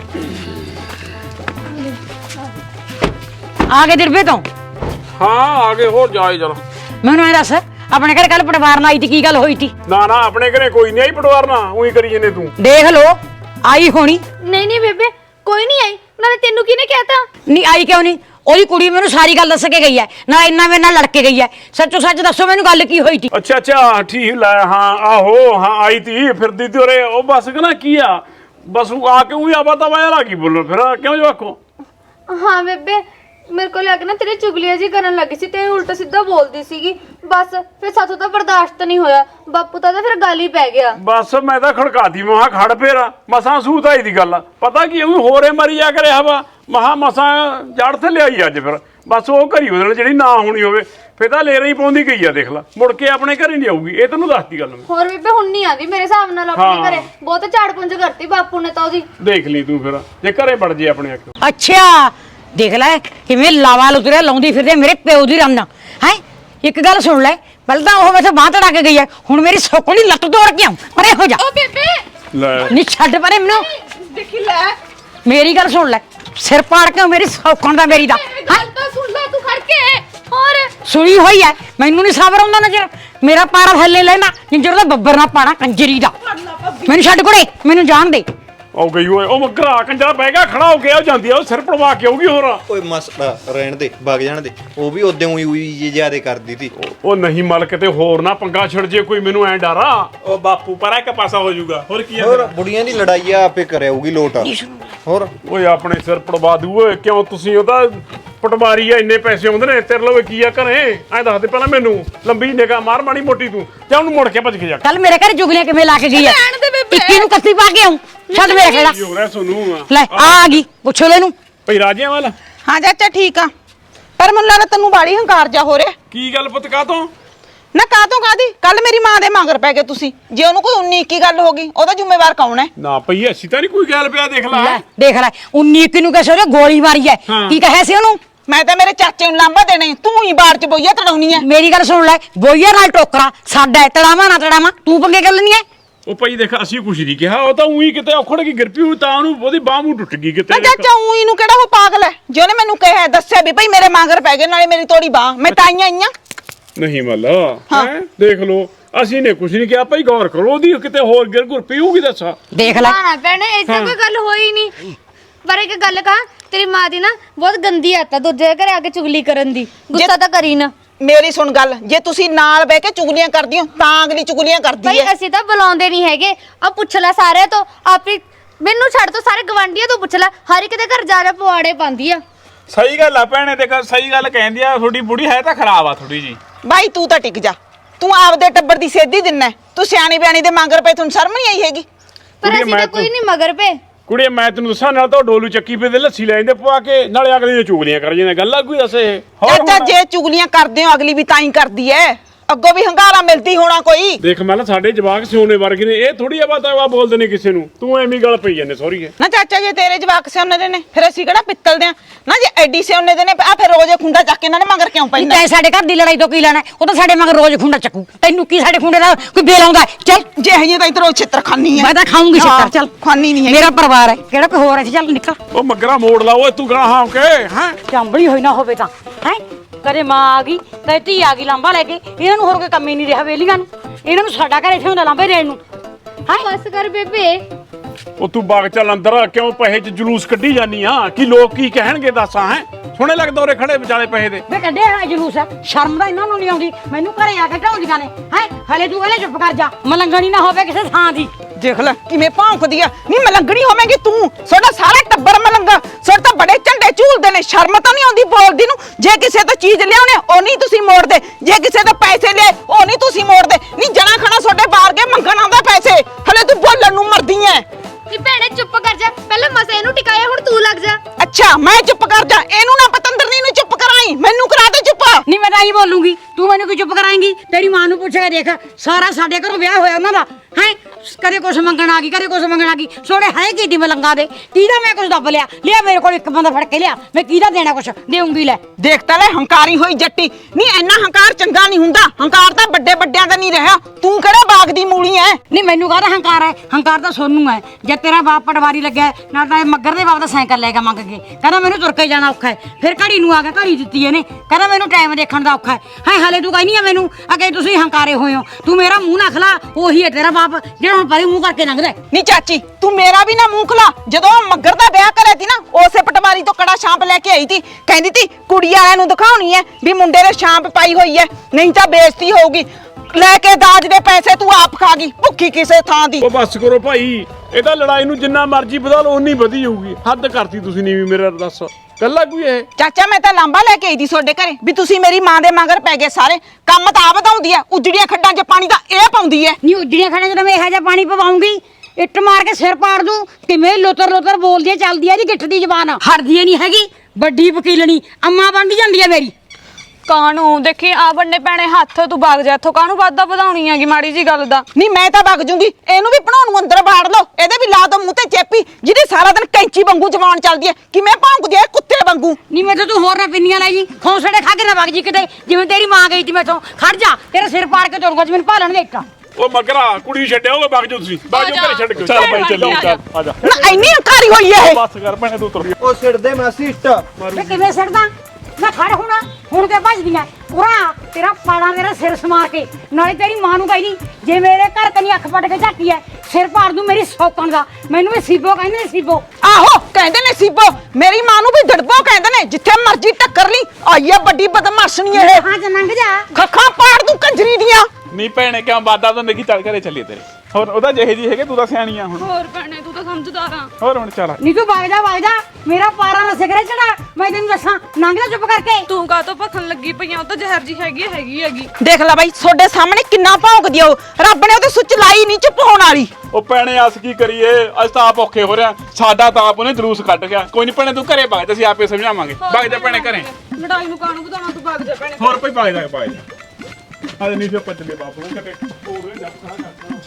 S1: ਆ ਗਏ ਦਿਰਬੇ ਤੋਂ
S3: ਹਾਂ ਆ ਗਏ ਹੋਰ ਜਾਏ ਚਲ
S1: ਮੈਨੂੰ ਇਹ ਦੱਸ ਆਪਣੇ ਘਰ ਕੱਲ ਪਟਵਾਰ ਨਾਲ ਆਈ ਤੀ ਕੀ ਗੱਲ ਹੋਈ ਤੀ
S3: ਨਾ ਨਾ ਆਪਣੇ ਘਰੇ ਕੋਈ ਨਹੀਂ ਆਈ ਪਟਵਾਰ ਨਾ ਉਹੀ ਕਰੀ ਜਨੇ ਤੂੰ
S1: ਦੇਖ ਲੋ ਆਈ ਹੋਣੀ
S4: ਨਹੀਂ ਨਹੀਂ ਬੇਬੇ ਕੋਈ ਨਹੀਂ ਆਈ ਨਾਲੇ ਤੈਨੂੰ ਕਿਹਨੇ ਕਹਿਤਾ
S1: ਨਹੀਂ ਆਈ ਕਿਉਂ ਨਹੀਂ ਉਹਦੀ ਕੁੜੀ ਮੈਨੂੰ ਸਾਰੀ ਗੱਲ ਦੱਸ ਕੇ ਗਈ ਹੈ ਨਾ ਇੰਨਾ ਮੇਰੇ ਨਾਲ ਲੜ ਕੇ ਗਈ ਹੈ ਸੱਚੋ ਸੱਚ ਦੱਸੋ ਮੈਨੂੰ ਗੱਲ ਕੀ ਹੋਈ ਤੀ
S3: ਅੱਛਾ ਅੱਛਾ ਠੀਕ ਲੈ ਹਾਂ ਆਹੋ ਹਾਂ ਆਈ ਤੀ ਫਿਰਦੀ ਤੇ ਉਰੇ ਉਹ ਬਸ ਕਹਣਾ ਕੀ ਆ ਬਸ ਉਹ ਆ ਕੇ ਉਹੀ ਆਵਾ ਤਾਂ ਵਾਇਆ ਲਾ ਕੀ ਬੋਲੋ ਫਿਰ ਕਿਉਂ ਜਵਾਕੋ
S4: ਹਾਂ ਬੇਬੇ ਮੇਰੇ ਕੋਲ ਲੱਗ ਨਾ ਤੇਰੇ ਚੁਗਲੀਆਂ ਜੀ ਕਰਨ ਲੱਗੀ ਸੀ ਤੇ ਉਲਟਾ ਸਿੱਧਾ ਬੋਲਦੀ ਸੀਗੀ ਬਸ ਫਿਰ ਸਾਥੋਂ ਤਾਂ ਬਰਦਾਸ਼ਤ ਨਹੀਂ ਹੋਇਆ ਬਾਪੂ ਤਾਂ ਫਿਰ ਗੱਲ ਹੀ ਪੈ ਗਿਆ
S3: ਬਸ ਮੈਂ ਤਾਂ ਖੜਕਾਤੀ ਮਹਾ ਖੜ ਫੇਰਾ ਮਸਾਂ ਸੂਤ ਆਈ ਦੀ ਗੱਲ ਪਤਾ ਕੀ ਉਹ ਹੋਰੇ ਮਰੀ ਜਾ ਕਰਿਆ ਹਵਾ ਮਹਾ ਮਸਾਂ ਜੜ ਤੇ ਲਿਆਈ ਅੱਜ ਫਿਰ ਬਸ ਉਹ ਘਰੀ ਉਹਦੇ ਜਿਹੜੀ ਨਾ ਹੋਣੀ ਹੋਵੇ ਫਿਰ ਤਾਂ ਲੇਰਾ ਹੀ ਪਾਉਂਦੀ ਗਈ ਆ ਦੇਖ ਲੈ ਮੁੜ ਕੇ ਆਪਣੇ ਘਰੇ ਨਹੀਂ ਆਊਗੀ ਇਹ ਤੈਨੂੰ ਦੱਸਦੀ ਗੱਲ ਮੈਂ
S4: ਹੋਰ ਬੇਬੇ ਹੁਣ ਨਹੀਂ ਆਂਦੀ ਮੇਰੇ ਹਿਸਾਬ ਨਾਲ ਆਪਣੇ ਘਰੇ ਬਹੁਤ ਝਾੜ ਪੁੰਜ ਕਰਤੀ ਬਾਪੂ ਨੇ ਤਾਂ ਉਹਦੀ
S3: ਦੇਖ ਲਈ ਤੂੰ ਫਿਰ ਜੇ ਘਰੇ ਵੜ ਜੇ ਆਪਣੇ ਅੱਖ
S1: ਅੱਛਾ ਦੇਖ ਲੈ ਕਿਵੇਂ ਲਾਵਾ ਲੁਤਰਿਆ ਲਾਉਂਦੀ ਫਿਰਦੇ ਮੇਰੇ ਪਿਓ ਦੀ ਰੰਨ ਹੈ ਇੱਕ ਗੱਲ ਸੁਣ ਲੈ ਪਹਿਲਾਂ ਤਾਂ ਉਹ ਮੈਥੇ ਬਾਹ ਤੜਾ ਕੇ ਗਈ ਹੈ ਹੁਣ ਮੇਰੀ ਸੋਕਣੀ ਲੱਤ ਤੋੜ ਕੇ ਆਉਂ ਪਰੇ ਹੋ ਜਾ
S4: ਓ ਬੇਬੇ
S3: ਲੈ
S1: ਨਹੀਂ ਛੱਡ ਪਰੇ ਮੈਨੂੰ
S4: ਦੇਖੀ ਲੈ
S1: ਮੇਰੀ ਗੱਲ ਸੁਣ ਲੈ ਸਿਰ ਪਾੜ ਕੇ ਮੇਰੀ ਸੌਕਣ ਦਾ ਮੇਰੀ ਦਾ
S4: ਗੱਲ ਤਾਂ ਸੁਣ ਲੈ ਤੂੰ ਖੜ ਕੇ ਹੋਰ
S1: ਸੁਣੀ ਹੋਈ ਐ ਮੈਨੂੰ ਨਹੀਂ ਸਬਰ ਆਉਂਦਾ ਨਜ਼ਰ ਮੇਰਾ ਪਾਰਾ ਥੱਲੇ ਲੈਣਾ ਜਿੰਜਰ ਦਾ ਬੱਬਰ ਨਾ ਪਾਣਾ ਕੰਜਰੀ ਦਾ ਮੈਨੂੰ ਛੱਡ ਕੁੜੇ ਮੈਨੂੰ ਜਾਣ ਦੇ
S3: ਉਹ ਗਈ ਓਏ ਉਹ ਮਗਰਾ ਕੰਜਰਾ ਬਹਿ ਗਿਆ ਖੜਾ ਹੋ ਕੇ ਆ ਜਾਂਦੀ ਆ ਉਹ ਸਿਰ ਪੜਵਾ ਕੇ ਆਉਗੀ ਹੋਰ
S5: ਓਏ ਮਸਲਾ ਰਹਿਣ ਦੇ ਵਗ ਜਾਣ ਦੇ ਉਹ ਵੀ ਉਦੋਂ ਹੀ ਉਹੀ ਜੇ ਜਿਆਦੇ ਕਰਦੀ ਸੀ
S3: ਉਹ ਨਹੀਂ ਮਲ ਕਿਤੇ ਹੋਰ ਨਾ ਪੰਗਾ ਛੜ ਜੇ ਕੋਈ ਮੈਨੂੰ ਐ ਡਰਾ ਉਹ ਬਾਪੂ ਪਰਾ ਇੱਕ ਪਾਸਾ ਹੋ ਜਾਊਗਾ ਹੋਰ ਕੀ
S5: ਹੋਰ ਬੁੜੀਆਂ ਦੀ ਲੜਾਈ ਆ ਆਪੇ ਕਰਿਆਊਗੀ ਲੋਟ ਹੋਰ
S3: ਓਏ ਆਪਣੇ ਸਿਰ ਪੜਵਾ ਦੂ ਓਏ ਕਿਉਂ ਤੁਸੀਂ ਉਹਦਾ ਪਟਵਾਰੀ ਆ, ਇੰਨੇ ਪੈਸੇ ਆਉਂਦੇ ਨੇ ਤੇਰੇ ਲਵੇ ਕੀ ਆ ਘਰੇ? ਐਂ ਦੱਸ ਦੇ ਪਹਿਲਾਂ ਮੈਨੂੰ, ਲੰਬੀ ਨਿਗਾਹ ਮਾਰ ਮਾੜੀ ਮੋਟੀ ਤੂੰ, ਜਾਂ ਉਹਨੂੰ ਮੁੜ ਕੇ ਭੱਜ ਕੇ ਜਾ।
S1: ਚੱਲ ਮੇਰੇ ਘਰ ਚੁਗਲੀਆਂ ਕਿਵੇਂ ਲਾ ਕੇ ਗਈ ਆ?
S2: ਰਹਿਣ ਦੇ ਬੇਬੇ।
S1: ਇੱਕੀ ਨੂੰ ਕੱਤੀ ਪਾ ਕੇ ਆਉਂ, ਛੱਡ ਮੇਰੇ ਖੇੜਾ।
S3: ਕੀ ਹੋ ਰਿਹਾ ਸੋਨੂੰ?
S1: ਲੈ ਆ ਆ ਗਈ, ਪੁੱਛੋ ਲੈ ਇਹਨੂੰ।
S3: ਭਈ ਰਾਜਿਆਂ ਵਾਲਾ
S2: ਹਾਂ ਚਾਚਾ ਠੀਕ ਆ, ਪਰ ਮੈਨੂੰ ਲੱਗਦਾ ਤੈਨੂੰ ਬਾੜੀ ਹੰਕਾਰ ਜਾ ਹੋ ਰਿਹਾ।
S3: ਕੀ ਗੱਲ ਪੁੱਤ ਕਾ ਤੋਂ?
S2: ਨਾ ਕਾਹਤੋਂ ਕਾਦੀ? ਕੱਲ ਮੇਰੀ ਮਾਂ ਦੇ ਮਗਰ ਪੈ ਗਏ ਤੁਸੀਂ। ਜੇ ਉਹਨੂੰ ਕੋਈ ਉਨੀ ਇੱਕੀ ਗੱਲ ਹੋ ਗਈ, ਉਹਦਾ ਜ਼ਿੰਮੇਵਾਰ ਕੌਣ ਹੈ?
S3: ਨਾ ਭਈ ਅਸੀਂ ਤਾਂ ਨਹੀਂ ਕੋਈ ਗੱਲ ਪਿਆ, ਦੇਖ ਲੈ।
S1: ਲੈ ਦੇਖ ਲੈ, ਉੱਨੀ ਇੱਕੀ ਨੂੰ ਕਿਸੇ ਨੇ ਗੋਲੀ ਮਾਰੀ ਐ।
S3: ਹਾਂ।
S1: ਕੀ ਕਹੇ ਸੀ ਉਹਨੂੰ?
S2: ਮੈਂ ਤਾਂ ਮੇਰੇ ਚਾਚੇ ਨੂੰ ਲਾਂਭਾ ਦੇਣੇ, ਤੂੰ ਹੀ ਬਾੜ ਚ ਬੋਈਆ ਤੜਾਉਣੀ ਐ।
S1: ਮੇਰੀ ਗੱਲ ਸੁਣ ਲੈ, ਬੋਈਆ ਨਾਲ ਟੋਕਰਾ ਸਾਡਾ ਤੜਾਵਾ ਨਾ ਤੜਾਵਾ, ਤੂੰ ਪੰਗੇ ਗੱਲ ਨਹੀਂ ਐ।
S3: ਉਹ ਭਾਈ ਦੇਖ ਅਸੀਂ ਕੁਛ ਨਹੀਂ ਕਿਹਾ, ਉਹ ਤਾਂ ਉਹੀ ਕਿਤੇ ਔਖੜ ਗਈ ਗਿਰਪੀ ਹੋਈ, ਤਾਂ ਉਹਨੂੰ ਉਹਦੀ ਬਾਹ ਮੂੰਹ ਟੁੱਟ ਗਈ ਕਿਤੇ।
S2: ਨਾ ਚਾਚਾ ਉਹੀ ਨੂੰ ਕਿਹੜਾ ਉਹ ਪਾਗਲ ਹੈ ਜੇ ਉਹਨੇ ਮੈਨੂੰ ਕਿਹਾ ਦੱਸਿਆ ਵੀ ਭਾਈ ਮੇਰੇ ਮਗਰ ਪੈ ਗਏ, ਨਾਲੇ ਮੇਰੀ ਤੋੜੀ ਬਾਹ, ਮੈਂ ਤਾਂ ਆਈਆਂ ਆਈਆਂ।
S3: ਨਹੀਂ ਮੱਲ ਹੈਂ ਦੇਖ ਲੋ, ਅਸੀਂ ਨੇ ਕੁਛ ਨਹੀਂ ਕਿਹਾ ਭਾਈ, ਗੌਰ ਕਰੋ, ਉਹਦੀ ਕਿਤੇ ਹੋਰ ਗਿਰ ਗੁਰ ਪੀਊਗੀ ਦੱਸਾ।
S1: ਦੇਖ ਲੈ
S4: ਨਾ ਨਾ ਭੈਣੇ ਏਦਾਂ ਕੋਈ ਗੱਲ ਹੋਈ ਨਹੀਂ। ਪਰ ਇੱਕ ਗੱਲ ਕਹਾਂ, ਤੇਰੀ ਮਾਂ ਦੀ ਨਾ ਬਹੁਤ ਗੰਦੀ ਆਦਤ ਆ ਦੂਜੇ ਦੇ ਘਰੇ ਆ ਕੇ ਚੁਗਲੀ ਕਰਨ ਦੀ। ਗੁੱਸਾ ਤਾਂ ਕਰੀ ਨਾ।
S2: ਮੇਰੀ ਸੁਣ ਗੱਲ, ਜੇ ਤੁਸੀਂ ਨਾਲ ਬਹਿ ਕੇ ਚੁਗਲੀਆਂ ਕਰਦੀ ਹੋ ਤਾਂ ਅਗਲੀ ਚੁਗਲੀਆਂ ਕਰਦੀ
S4: ਭਾਈ
S2: ਹੈ।
S4: ਅਸੀਂ ਤਾਂ ਬੁਲਾਉਂਦੇ ਨਹੀਂ ਹੈਗੇ। ਆ ਪੁੱਛ ਲੈ ਸਾਰਿਆਂ ਤੋਂ, ਆਪੀ ਮੈਨੂੰ ਛੱਡ ਤੋਂ ਸਾਰੇ ਗਵਾਂਢੀਆਂ ਤੋਂ ਪੁੱਛ ਲੈ, ਹਰ ਇੱਕ ਦੇ ਘਰ ਜਾ ਜਾ ਪਵਾੜੇ ਪਾਉਂਦੀ ਆ।
S6: ਸਹੀ ਗੱਲ ਆ ਭੈਣੇ, ਦੇਖ ਸਹੀ ਗੱਲ ਕਹਿੰਦੀ ਆ, ਤੁਹਾਡੀ ਬੁੜੀ ਹੈ ਤਾਂ ਖਰਾਬ ਆ ਥੋੜੀ ਜੀ।
S2: ਬਾਈ ਤੂੰ ਤਾਂ ਟਿਕ ਜਾ, ਤੂੰ ਆਪਦੇ ਟੱਬਰ ਦੀ ਸੇਧੀ ਦਿੰਨਾ ਹੈ। ਤੂੰ ਸਿਆਣੀ ਬਿਆਣੀ ਦੇ ਮਗਰ ਪਏ, ਤੁਹਾਨੂੰ ਸ਼ਰਮ ਨਹੀਂ ਆਈ ਹੈਗੀ?
S4: ਪਰ
S3: ਕੁੜੀਏ,
S4: ਅਸੀਂ
S3: ਮੈਂ
S4: ਤਾਂ ਕੋਈ ਨਹੀਂ ਮਗਰ ਪਏ।
S3: ਕੁੜੀਏ ਮੈਂ ਤੈਨੂੰ ਦੱਸਾਂ, ਨਾਲ ਤਾਂ ਡੋਲੂ ਚੱਕੀ ਪੇ ਦੇ ਲੱਸੀ ਲੈ ਜਾਂਦੇ ਪਵਾ ਕੇ, ਨਾਲੇ ਅਗਲੇ ਦੀਆਂ ਚੁਗਲੀਆਂ ਕਰ ਜਾਂਦੇ। ਗੱਲ ਆ ਕੋਈ ਦੱਸੇ?
S2: ਚਾਚਾ ਜੇ ਚੁਗਲੀਆਂ ਕਰਦੇ ਹੋ ਅਗਲੀ ਵੀ ਤਾਂ ਹੀ ਕਰਦੀ ਐ, ਅੱਗੋਂ ਵੀ ਹੰਗਾਰਾ ਮਿਲਦੀ ਹੋਣਾ ਕੋਈ।
S3: ਦੇਖ ਮੈਂ ਸਾਡੇ ਜਵਾਕ ਸਿਉਣੇ ਵਰਗੇ ਨੇ, ਇਹ ਥੋੜੀ ਆ ਬਾਤਾਂ ਬੋਲਦੇ ਨੇ ਕਿਸੇ ਨੂੰ, ਤੂੰ ਐਵੇਂ ਗੱਲ ਪਈ ਜਾਂਦੇ ਸੌਰੀ ਹੈ।
S2: ਨਾ ਚਾਚਾ ਜੇ ਤੇਰੇ ਜਵਾਕ ਸਿਉਨੇ ਦੇ ਨੇ, ਫਿਰ ਅਸੀਂ ਕਿਹੜਾ ਪਿੱਤਲ ਦੇ ਆ? ਨਾ ਜੇ ਐਡੀ ਸਿਉਨੇ ਦੇ ਨੇ, ਆ ਫਿਰ ਰੋਜ਼ ਖੁੰਡਾ ਚੱਕ ਕੇ ਇਹਨਾਂ ਨੇ ਮਗਰ ਕਿਉਂ ਪੈਂਦਾ?
S1: ਤੈਂ ਸਾਡੇ ਘਰ ਦੀ ਲੜਾਈ ਤੋਂ ਕੀ ਲੈਣਾ? ਉਹ ਤਾਂ ਸਾਡੇ ਮਗਰ ਰੋਜ਼ ਖੁੰਡਾ ਚੱਕੂ, ਤੈਨੂੰ ਕੀ ਸਾਡੇ ਖੁੰਡੇ ਦਾ ਕੋਈ ਬੇਲ ਆਉਂਦਾ? ਚੱਲ
S2: ਜੇ ਹਜੇ ਤਾਂ ਇਧਰੋਂ ਛਿੱਤਰ ਖਾਨੀ ਹੈ।
S1: ਮੈਂ ਤਾਂ ਖਾਊਂਗੀ ਛਿੱਤਰ। ਚੱਲ
S2: ਖਾਨੀ ਨਹੀਂ ਹੈ
S1: ਮੇਰਾ ਪਰਿਵਾਰ ਹੈ, ਕਿਹੜਾ ਕੋਈ ਹੋਰ ਹੈ? ਚੱਲ ਨਿਕਲ।
S3: ਉਹ ਮੱਗਰਾ ਮੋੜ ਲਾ ਓਏ, ਤੂੰ ਗਾਂ ਹਾਂ ਕੇ ਹੈਂ।
S1: ਚੰਬੜੀ ਹੋਈ ਨਾ ਹੋਵੇ ਤਾਂ ਹੈ। ਕਦੇ ਮਾਂ ਆ ਗਈ, ਕਦੇ ਧੀ ਆ ਗਈ ਲਾਂਬਾ ਲੈ ਕੇ। ਇਹਨਾਂ ਨੂੰ ਹੋਰ ਕੋਈ ਕੰਮ ਹੀ ਨਹੀਂ ਰਿਹਾ ਵੇਲੀਆਂ ਨੂੰ। ਇਹਨਾਂ ਨੂੰ ਸਾਡਾ ਘਰ ਇੱਥੇ ਹੁੰਦਾ ਲਾਂਬੇ ਦੇਣ ਨੂੰ।
S4: ਹਾਂ ਬਸ ਕਰ ਬੇਬੇ।
S3: ਉਹ ਤੂੰ ਬਾਗ ਚੱਲ ਅੰਦਰ, ਕਿਉਂ ਪੈਸੇ ਚ ਜਲੂਸ ਕੱਢੀ ਜਾਨੀ ਆ? ਕੀ ਲੋਕ ਕੀ ਕਹਿਣਗੇ ਦੱਸਾਂ? ਹੈ ਸੋਹਣੇ ਲੱਗਦਾ ਉਰੇ ਖੜੇ ਵਿਚਾਲੇ ਪੈਸੇ ਦੇ।
S1: ਵੇ ਕੱਢੇ ਆ ਜਲੂਸ, ਸ਼ਰਮ ਦਾ ਇਹਨਾਂ ਨੂੰ ਨਹੀਂ ਆਉਂਦੀ। ਮੈਨੂੰ ਘਰੇ ਆ ਕੇ ਢਾਉਂਦੀਆਂ ਨੇ। ਹੈ ਹਲੇ ਤੂੰ ਇਹਨੇ ਚੁੱਪ ਕਰ ਜਾ, ਮਲੰਗਣੀ ਨਾ ਹੋਵੇ ਕਿਸੇ ਥਾਂ ਦੀ।
S2: ਦੇਖ ਲੈ ਕਿਵੇਂ ਭੌਂਕਦੀ ਆ। ਨਹੀਂ ਮਲੰਗਣੀ ਹੋਵੇਂਗੀ ਤੂੰ, ਤੁਹਾਡਾ ਸਾਰਾ ਟੱਬਰ ਮਲੰਗਾ। ਤੁਹਾਡੇ ਤਾਂ ਬੜੇ ਝੰਡੇ ਝੂਲਦੇ ਨੇ, ਸ਼ਰਮ ਤਾਂ ਨਹੀਂ ਆਉਂਦੀ ਬੋਲਦੀ ਨੂੰ। ਜੇ ਕਿਸੇ ਤੋਂ ਚੀਜ਼ ਲਿਆਉਣੇ ਉਹ ਨਹੀਂ ਤੁਸੀਂ ਮੋੜਦੇ, ਜੇ ਕਿਸੇ ਤੋਂ ਪੈਸੇ ਲਿਆਏ ਉਹ ਨਹੀਂ ਤੁਸੀਂ ਮੋੜਦੇ। ਨਹੀਂ ਜਣਾ ਖਣਾ ਤੁਹਾਡੇ ਬਾਹਰ ਕੇ ਮੰਗਣ ਆਉਂਦਾ ਪੈਸੇ, ਹਲੇ ਤੂੰ ਬੋਲਣ ਨੂੰ ਮਰਦੀ ਐ।
S4: ਨੀ ਭੈਣੇ ਚੁੱਪ ਕਰ ਜਾ, ਪਹਿਲਾਂ ਮਸੇ ਇਹਨੂੰ ਟਿਕਾਇਆ, ਹੁਣ ਤੂੰ ਲੱਗ ਜਾ।
S2: ਅੱਛਾ ਮੈਂ ਚੁੱਪ ਕਰ ਜਾ, ਇਹਨੂੰ ਨਾ ਪਤੰਦਰਨੀ ਨੂੰ ਚੁੱਪ ਕਰਾਈ, ਮੈਨੂੰ ਕਰਾ ਦੇ ਚੁੱਪ।
S1: ਨਹੀਂ ਮੈਂ ਤਾਂ ਹੀ ਬੋਲੂੰਗੀ, ਤੂੰ ਮੈਨੂੰ ਕੀ ਚੁੱਪ ਕਰਾਏਂਗੀ? ਤੇਰੀ ਮਾਂ ਨੂੰ ਪੁੱਛ ਕੇ ਦੇਖ, ਸਾਰਾ ਸਾਡੇ ਘਰੋਂ ਵਿਆਹ ਹੋਇਆ ਉਹਨਾਂ ਦਾ। ਹੈ ਕਦੇ ਕੁਛ ਮੰਗਣ ਆ ਗਈ, ਕਦੇ ਕੁਛ ਮੰਗਣ ਆ ਗਈ। ਸੋੜੇ ਹੈ ਕੀ ਦੀ ਮਲੰਗਾ ਦੇ? ਕਿਹਦਾ ਮੈਂ ਕੁਛ ਦੱਬ ਲਿਆ? ਲਿਆ ਮੇਰੇ ਕੋਲ ਇੱਕ ਬੰਦਾ ਫੜ ਕੇ ਲਿਆ, ਮੈਂ ਕਿਹਦਾ ਦੇਣਾ ਕੁਛ? ਦੇਉਂਗੀ ਲੈ।
S2: ਦੇਖ ਤਾਂ ਲੈ ਹੰਕਾਰੀ ਹੋਈ ਜੱਟੀ। ਨਹੀਂ ਇੰਨਾ ਹੰਕਾਰ ਚੰਗਾ ਨਹੀਂ ਹੁੰਦਾ, ਹੰਕਾਰ ਤਾਂ ਵੱਡੇ ਵੱਡਿਆਂ ਦਾ ਨਹੀਂ ਰਿਹਾ। ਤੂੰ ਕਿਹੜਾ ਬਾਗ ਦੀ ਮੂਲੀ ਐ?
S1: ਨਹੀਂ ਮੈਨੂੰ ਕਾਹਦਾ ਹੰਕਾਰ ਹੈ? ਹੰਕਾਰ ਤਾਂ ਸੋਨੂੰ ਹੈ। ਜੇ ਤੇਰਾ ਬਾਪ ਪਟਵਾਰੀ ਲੱਗਿਆ ਹੈ, ਨਾਲ ਤਾਂ ਇਹ ਮੱਗਰ ਦੇ ਬਾਪ ਦਾ ਸਾਈਕਲ ਲੈ ਕੇ ਮੰਗ ਕੇ ਕਹਿੰਦਾ ਮੈਨੂੰ ਤੁਰ ਕੇ ਜਾਣਾ ਔਖਾ ਹੈ। ਫਿਰ ਘੜੀ ਨੂੰ ਆ ਕੇ ਘੜੀ ਦਿੱਤੀ ਇਹਨੇ, ਕਹਿੰਦਾ ਮੈਨੂੰ ਟਾਈਮ ਦੇਖਣ ਦਾ ਔਖਾ ਹੈ। ਹੈ ਹਲੇ ਤੂੰ ਕਹਿੰਦੀ ਆ ਮੈਨੂੰ ਅਗੇ ਤੁਸੀਂ ਹੰਕਾਰੇ ਹੋਏ ਹੋ। ਤੂੰ ਮੇਰਾ ਮੂੰਹ ਨਾ ਖਲਾ, ਉਹੀ ਹੈ ਤੇਰਾ ਬਾਪ ਜਿਹੜਾ ਹੁਣ ਪਰੇ ਮੂੰਹ ਕਰਕੇ ਲੰਘਦਾ।
S2: ਨਹੀਂ ਚਾਚੀ ਤੂੰ ਮੇਰਾ ਵੀ ਨਾ ਮੂੰਹ ਖਲਾ। ਜਦੋਂ ਉਹ ਮੱਗਰ ਦਾ ਵਿਆਹ ਕਰਿਆ ਤੀ ਨਾ, ਉਸੇ ਪਟਵਾਰੀ ਤੋਂ ਕੜਾ ਛਾਂਪ ਲੈ ਕੇ ਆਈ ਤੀ। ਕਹਿੰਦੀ ਤੀ ਕੁੜੀ ਵਾਲਿਆਂ ਨੂੰ ਦਿਖਾਉਣੀ ਐ ਵੀ ਮੁੰਡੇ ਨੇ ਛਾਂਪ ਪਾਈ ਹੋਈ ਐ, ਨਹੀਂ ਤਾਂ ਬੇਇੱਜ਼ਤੀ ਹੋਊਗੀ। ਲੈ ਕੇ ਦਾਜ ਦੇ ਪੈਸੇ ਤੂੰ ਆਪ ਖਾ ਗਈ, ਭੁੱਖੀ ਕਿਸੇ ਥਾਂ ਦੀ।
S3: ਉਹ ਬਸ ਕਰੋ ਭਾਈ, ਇਹਦਾ ਲੜਾਈ ਨੂੰ ਜਿੰਨਾ ਮਰਜ਼ੀ ਵਧਾ ਲਓ ਓਨੀ ਵਧੀ ਜਾਊਗੀ। ਹੱਦ ਕਰਤੀ ਤੁਸੀਂ ਨਹੀਂ ਵੀ ਮੇਰਾ ਦੱਸ ਕੱਲਾ ਕੋਈ ਇਹ।
S2: ਚਾਚਾ ਮੈਂ ਤਾਂ ਲਾਂਬਾ ਲੈ ਕੇ ਆਈ ਦੀ ਤੁਹਾਡੇ ਘਰੇ ਵੀ ਤੁਸੀਂ ਮੇਰੀ ਮਾਂ ਦੇ ਮਗਰ ਪੈ ਗਏ ਸਾਰੇ। ਕੰਮ ਤਾਂ ਆ ਵਧਾਉਂਦੀ ਐ, ਉਜੜੀਆਂ ਖੱਡਾਂ 'ਚ ਪਾਣੀ ਤਾਂ ਇਹ ਪਾਉਂਦੀ ਐ।
S1: ਨਹੀਂ ਉਜੜੀਆਂ ਖੜੇ ਜਦੋਂ ਮੈਂ ਇਹੋ ਜਿਹਾ ਪਾਣੀ ਪਵਾਉਂਗੀ, ਇੱਟ ਮਾਰ ਕੇ ਸਿਰ ਪਾੜ ਦੂੰ। ਕਿਵੇਂ ਲੋਤਰ ਲੋਤਰ ਬੋਲਦੀ ਐ, ਚੱਲਦੀ ਐ ਇਹਦੀ ਗਿੱਠ ਦੀ ਜ਼ਬਾਨ, ਹਟਦੀ ਨਹੀਂ ਹੈਗੀ। ਵੱਡੀ ਵਕੀਲਣੀ ਅੰਮਾ ਬਣ ਜਾਂਦੀ ਐ ਮੇਰੀ।
S7: ਕਾਹਨੂੰ ਦੇਖੀ ਆ ਬੰਨੇ ਪੈਣੇ ਹੱਥ, ਤੂੰ ਵਗ ਜਾ ਇੱਥੋਂ। ਕਾਹਨੂੰ ਵਾਦਾ ਵਧਾਉਣੀ ਹੈਗੀ ਮਾੜੀ ਜੀ ਗੱਲ ਦਾ?
S2: ਨਹੀਂ ਮੈਂ ਤਾਂ ਵਗ ਜੂੰਗੀ, ਇਹਨੂੰ ਵੀ ਬਣਾਉਣ ਨੂੰ ਅੰਦਰ ਬਾੜ ਲਓ। ਇਹਦੇ ਵੀ ਲਾ ਦੋ ਮੂੰਹ ਤੇ ਚੇਪੀ, ਜਿਹਦੀ ਸਾਰਾ ਦਿਨ ਕੈਂਚੀ ਵਾਂਗੂ ਜਵਾਨ ਚੱਲਦੀ ਐ। ਕਿਵੇਂ ਭੌਂਕਦੀ ਐ ਕੁੱਤੇ ਵਾਂਗੂ।
S1: ਨਹੀਂ ਮੈਂ ਤਾਂ ਤੂੰ ਹੋਰ ਨਾ ਪਿੰਨੀਆਂ ਲੈ ਜੀ, ਖੌਂਸੜੇ ਖਾ ਕੇ ਨਾ ਵਗ ਜੀ ਕਿਤੇ, ਜਿਵੇਂ ਤੇਰੀ ਮਾਂ ਗਈ ਤੀ ਮੈਥੋਂ। ਖੜ ਜਾ, ਤੇਰੇ ਸਿਰ ਪਾੜ ਕੇ ਤੁਰੂੰਗਾ ਜਿਵੇਂ ਭਾਲਣ ਦੇ ਇੱਟਾਂ।
S3: ਉਹ ਮਗਰਾ ਕੁੜੀ ਛੱਡਿਆ ਹੋਵੇ, ਵਗ ਜਾਓ ਤੁਸੀਂ, ਵਗ ਜਾਓ ਘਰੇ ਛੱਡ ਕੇ। ਚੱਲ ਭਾਈ ਚੱਲੋ, ਚੱਲ ਆ ਜਾ।
S2: ਨਾ ਇੰਨੀ ਹੰਕਾਰੀ ਹੋਈ ਐ ਇਹ।
S3: ਬਸ ਕਰ ਭੈਣੇ ਤੂੰ ਤੁਰ।
S5: ਉਹ ਸਿਰਦੇ ਮਾਸੀ ਇੱਟ
S1: ਵੇ ਕਿਵੇਂ ਸਿਰਦਾ? ਮੈਂ ਖੜ ਹੋਣਾ ਹੁਣ ਤੇ ਭੱਜਦੀਆਂ ਉਰਾ ਤੇਰਾ ਪਾੜਾ ਮੇਰਾ ਸਿਰ ਸਮਾਰ ਕੇ। ਨਾਲੇ ਤੇਰੀ ਮਾਂ ਨੂੰ ਕਹੀ ਨਹੀਂ, ਜੇ ਮੇਰੇ ਘਰ ਕਨੀ ਅੱਖ ਪੱਟ ਕੇ ਝਾਕੀ ਐ ਸਿਰ ਪਾੜ ਦੂੰ ਮੇਰੀ ਸੌਕਣ ਦਾ। ਮੈਨੂੰ ਵੀ ਸੀਬੋ ਕਹਿੰਦੇ ਨੇ, ਸੀਬੋ।
S2: ਆਹੋ ਕਹਿੰਦੇ ਨੇ ਸੀਬੋ, ਮੇਰੀ ਮਾਂ ਨੂੰ ਵੀ ਡੜਬੋ ਕਹਿੰਦੇ ਨੇ। ਜਿੱਥੇ ਮਰਜ਼ੀ ਟੱਕਰ ਲਈ, ਆਈ ਐ ਵੱਡੀ ਬਦਮਾਸ਼ਣੀ ਇਹ।
S1: ਹਾਂ ਚ ਲੰਘ ਜਾ।
S2: ਖੱਖਾਂ ਪਾੜ ਦੂੰ ਕੰਜਰੀ ਦੀਆਂ।
S6: ਨਹੀਂ ਭੈਣੇ ਕਿਉਂ ਵਾਦਾ ਤਾਂ ਨਹੀਂ, ਚੱਲ ਘਰੇ ਚੱਲੀਏ ਤੇਰੇ। ਹੋਰ ਉਹਦਾ ਜਿਹੇ ਜੀ ਹੈਗੇ, ਤੂੰ ਤਾਂ ਸਿਆਣੀ ਆ ਹੁਣ।
S7: ਹੋਰ ਭੈਣੇ ਤੂੰ ਤਾਂ ਸਮਝਦਾਰ ਆ।
S6: ਹੋਰ ਹੁਣ ਚੱਲ
S1: ਨੀ ਤੂੰ ਵਗ ਜਾ ਵਗ ਜਾ ਮੇਰਾ ਪਾਰਾ ਨਾ ਸਿਗਰੇ ਚੜਾ ਮੈਂ ਤੈਨੂੰ ਦੱਸਾਂ ਲੰਘ ਜਾ ਚੁੱਪ ਕਰਕੇ
S7: ਤੂੰ ਕਾਹ ਤੋਂ ਭਖਣ ਲੱਗੀ ਪਈਆਂ ਉਹ ਤਾਂ ਜ਼ਹਿਰ ਜੀ ਹੈਗੀ ਆ, ਹੈਗੀ ਹੈਗੀ
S2: ਦੇਖ ਲੈ ਬਾਈ ਤੁਹਾਡੇ ਸਾਹਮਣੇ ਕਿੰਨਾ ਭੌਂਕਦੀ ਆ ਉਹ। ਰੱਬ ਨੇ ਉਹਦੇ ਸੁੱਚ ਲਾਈ ਨਹੀਂ ਚੁੱਪ ਹੋਣ ਵਾਲੀ।
S6: ਉਹ ਭੈਣੇ ਅਸ ਕੀ ਕਰੀਏ, ਅਸੀਂ ਤਾਂ ਆਪ ਔਖੇ ਹੋ ਰਿਆ, ਸਾਡਾ ਤਾਂ ਆਪ ਉਹਨੇ ਜਲੂਸ ਕੱਢ ਗਿਆ। ਕੋਈ ਨਹੀਂ ਭੈਣੇ ਤੂੰ ਘਰੇ ਵਗ ਜਾ, ਅਸੀਂ ਆਪੇ ਸਮਝਾਵਾਂਗੇ। ਵਗ ਜਾ ਭੈਣੇ ਘਰੇ।
S7: ਲੜਾਈ ਨੂੰ ਕਾਹਨੂੰ ਵਧਾਉਣਾ, ਤੂੰ ਭੱਗ ਜਾ ਭੈਣੇ।
S6: ਹੋਰ ਕੋਈ ਵਗ ਜਾ ਵਗ ਜਾ। ਆਦੇ ਨਹੀਂ ਫਿਰ ਪੱਜਲੇ ਬਾਪੂ ਕਿਤੇ ਹੋਵੇ ਜੱਫਾ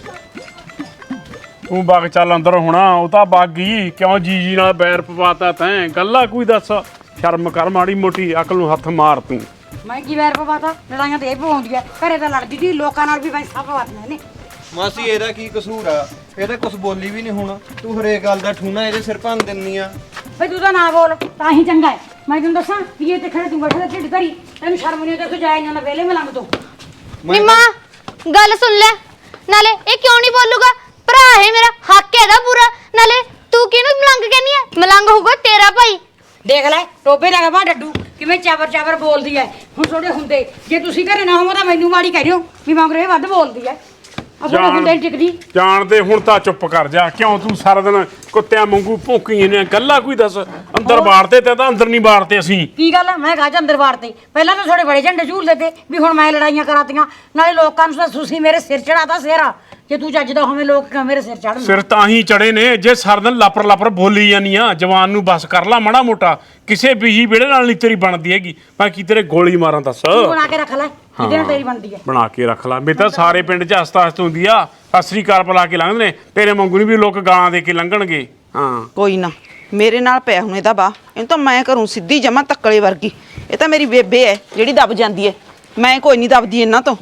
S3: ਤੂੰ ਬਾਗ ਚੱਲ ਅੰਦਰ ਹੋਣਾ, ਉਹ ਤਾਂ ਬਾਗੀ ਕਿਉਂ ਜੀ ਜੀ ਨਾਲ ਬੈਰ ਪਵਾਤਾ ਤੈਂ? ਗੱਲਾਂ ਕੋਈ ਦੱਸ, ਸ਼ਰਮ ਕਰ ਮਾੜੀ ਮੋਟੀ, ਅਕਲ ਨੂੰ ਹੱਥ ਮਾਰ ਤੂੰ।
S1: ਮੈਂ ਕੀ ਵੈਰ ਪਵਾਤਾ ਲੜਾਈਆਂ ਤੇ ਇਹ ਪਵਾਉਂਦੀ ਐ ਘਰੇ ਤਾਂ ਲੜਦੀ ਸੀ ਲੋਕਾਂ ਨਾਲ ਵੀ ਵੈਸਾ ਪਵਾਤੀਆਂ ਨੇ
S5: ਮਾਸੀ ਇਹਦਾ ਕੀ ਕਸੂਰ ਆ? ਇਹ ਤਾਂ ਕੁਝ ਬੋਲੀ ਵੀ ਨਹੀਂ ਹੁਣ। ਤੂੰ ਹਰੇਕ ਗੱਲ ਦਾ ਠੂਣਾ ਇਹਦੇ ਸਿਰ ਭੰਨ ਦਿੰਨੀ ਆ।
S1: ਬਈ ਤੂੰ ਤਾਂ ਨਾ ਬੋਲ ਤਾਂ ਹੀ ਚੰਗਾ ਹੈ। ਮੈਂ ਤੈਨੂੰ ਦੱਸਾਂ ਵੀ ਇਹ ਤੇ ਖੜੇ ਤੂੰ ਬੈਠਾ ਢਿੱਡ ਧਰੀ ਤੈਨੂੰ ਸ਼ਰਮ ਨਹੀਂ ਆਉਂਦੀ ਤੂੰ ਜਾਏ ਨਾ ਵੇਲੇ ਮਲੰਗ ਤੋਂ
S4: ਨੀ ਮਾਂ ਗੱਲ ਸੁਣ ਲੈ, ਨਾਲੇ ਇਹ ਕਿਉਂ ਨਹੀਂ ਬੋਲੂਗਾ? ਭਰਾ ਹੈ ਮੇਰਾ, ਹੱਕ ਇਹਦਾ ਪੂਰਾ। ਨਾਲੇ ਤੂੰ ਕਿਹਨੂੰ ਮਲੰਗ ਕਹਿੰਦੀ ਐ? ਮਲੰਗ ਹੋਊਗਾ ਤੇਰਾ ਭਾਈ।
S1: ਦੇਖ ਲੈ ਟੋਬੇ ਦਾ ਗਵਾ ਡੱਡੂ ਕਿਵੇਂ ਚਾਵਰ ਚਾਵਰ ਬੋਲਦੀ ਐ। ਹੁਣ ਤੁਹਾਡੇ ਹੁੰਦੇ ਜੇ ਤੁਸੀਂ ਘਰੇ ਨਾ ਹੋਵੋ ਤਾਂ ਮੈਨੂੰ ਮਾੜੀ ਕਹਿ ਦਿਓ ਵੀ ਮਗਰ ਇਹ ਵੱਧ ਬੋਲਦੀ ਐ। ਆਪਣੇ ਹੁੰਦੇ ਨੀ ਟਿਕਦੀ।
S3: ਜਾਣਦੇ ਹੁਣ ਤਾਂ ਚੁੱਪ ਕਰ ਜਾ, ਕਿਉਂ ਤੂੰ ਸਾਰਾ ਦਿਨ ਕੁੱਤਿਆਂ ਵਾਂਗੂ ਭੌਂਕੀ ਨੇ? ਗੱਲਾਂ ਕੋਈ ਦੱਸ, ਅੰਦਰ ਬਾੜਤੇ ਤੇ ਤਾਂ ਅੰਦਰ ਨਹੀਂ ਬਾੜਤੇ ਅਸੀਂ।
S1: ਕੀ ਗੱਲ ਆ? ਮੈਂ ਗਾਜ ਅੰਦਰ ਵਾੜਤੇ ਪਹਿਲਾਂ ਤਾਂ ਥੋੜੇ ਬੜੇ ਝੰਡੇ ਝੂਲਦੇ ਤੇ ਵੀ ਹੁਣ ਮੈਂ ਲੜਾਈਆਂ ਕਰਾਤੀਆਂ ਨਾਲੇ ਲੋਕਾਂ ਨੂੰ ਤਾਂ ਤੁਸੀਂ ਮੇਰੇ ਸਿਰ ਚੜਾਤਾ ਸਿਰਾ। ਜੇ ਤੂੰ ਚੱਜਦਾ ਹੋਵੇਂ ਲੋਕ ਕਿਉਂ ਮੇਰੇ ਸਿਰ ਚੜਨ?
S3: ਸਿਰ ਤਾਂ ਹੀ ਚੜੇ ਨੇ ਜੇ ਸਾਰਾ ਦਿਨ ਲਾਪਰ ਲਾਪਰ ਬੋਲੀ ਜਾਨੀ ਆ। ਜਵਾਨ ਨੂੰ ਬਸ ਕਰ ਲਾ ਮਾੜਾ ਮੋਟਾ, ਕਿਸੇ ਬੀਹੀ ਵਿਹੜੇ ਨਾਲ ਨਹੀਂ ਤੇਰੀ ਬਣਦੀ ਹੈਗੀ। ਮੈਂ ਕੀ ਤੇਰੇ ਗੋਲੀ ਮਾਰਾਂ ਦੱਸ?
S1: ਤੂੰ ਬਣਾ ਕੇ ਰੱਖ ਲੈ ਜਿਹਦੇ ਨਾਲ ਤੇਰੀ ਬਣਦੀ ਐ।
S3: ਬਣਾ ਕੇ ਰੱਖ ਲਾ। ਮੇਰੇ ਤਾਂ ਸਾਰੇ ਪਿੰਡ 'ਚ ਹਸਤਾ ਹਸਤ ਹੁੰਦੀ ਆ, ਸਤਿ ਸ੍ਰੀ ਅਕਾਲ ਬੁਲਾ ਕੇ ਲੰਘਦੇ ਨੇ। ਤੇਰੇ ਵਾਂਗੂ ਨਹੀਂ ਵੀ ਲੋਕ ਗਾਲਾਂ ਦੇ ਕੇ ਲੰਘਣਗੇ। ਹਾਂ
S2: ਕੋਈ ਨਾ ਮੇਰੇ ਨਾਲ ਪਿਆ ਹੁਣ ਇਹਦਾ ਬਾ, ਇਹਨੂੰ ਤਾਂ ਮੈਂ ਕਰੂੰ ਸਿੱਧੀ ਜਮਾ ਤੱਕਲੇ ਵਰਗੀ। ਇਹ ਤਾਂ ਮੇਰੀ ਬੇਬੇ ਐ ਜਿਹੜੀ ਦਬ ਜਾਂਦੀ ਐ, ਮੈਂ ਕੋਈ ਨਹੀਂ ਦਬਦੀ ਇਹਨਾਂ ਤੋਂ।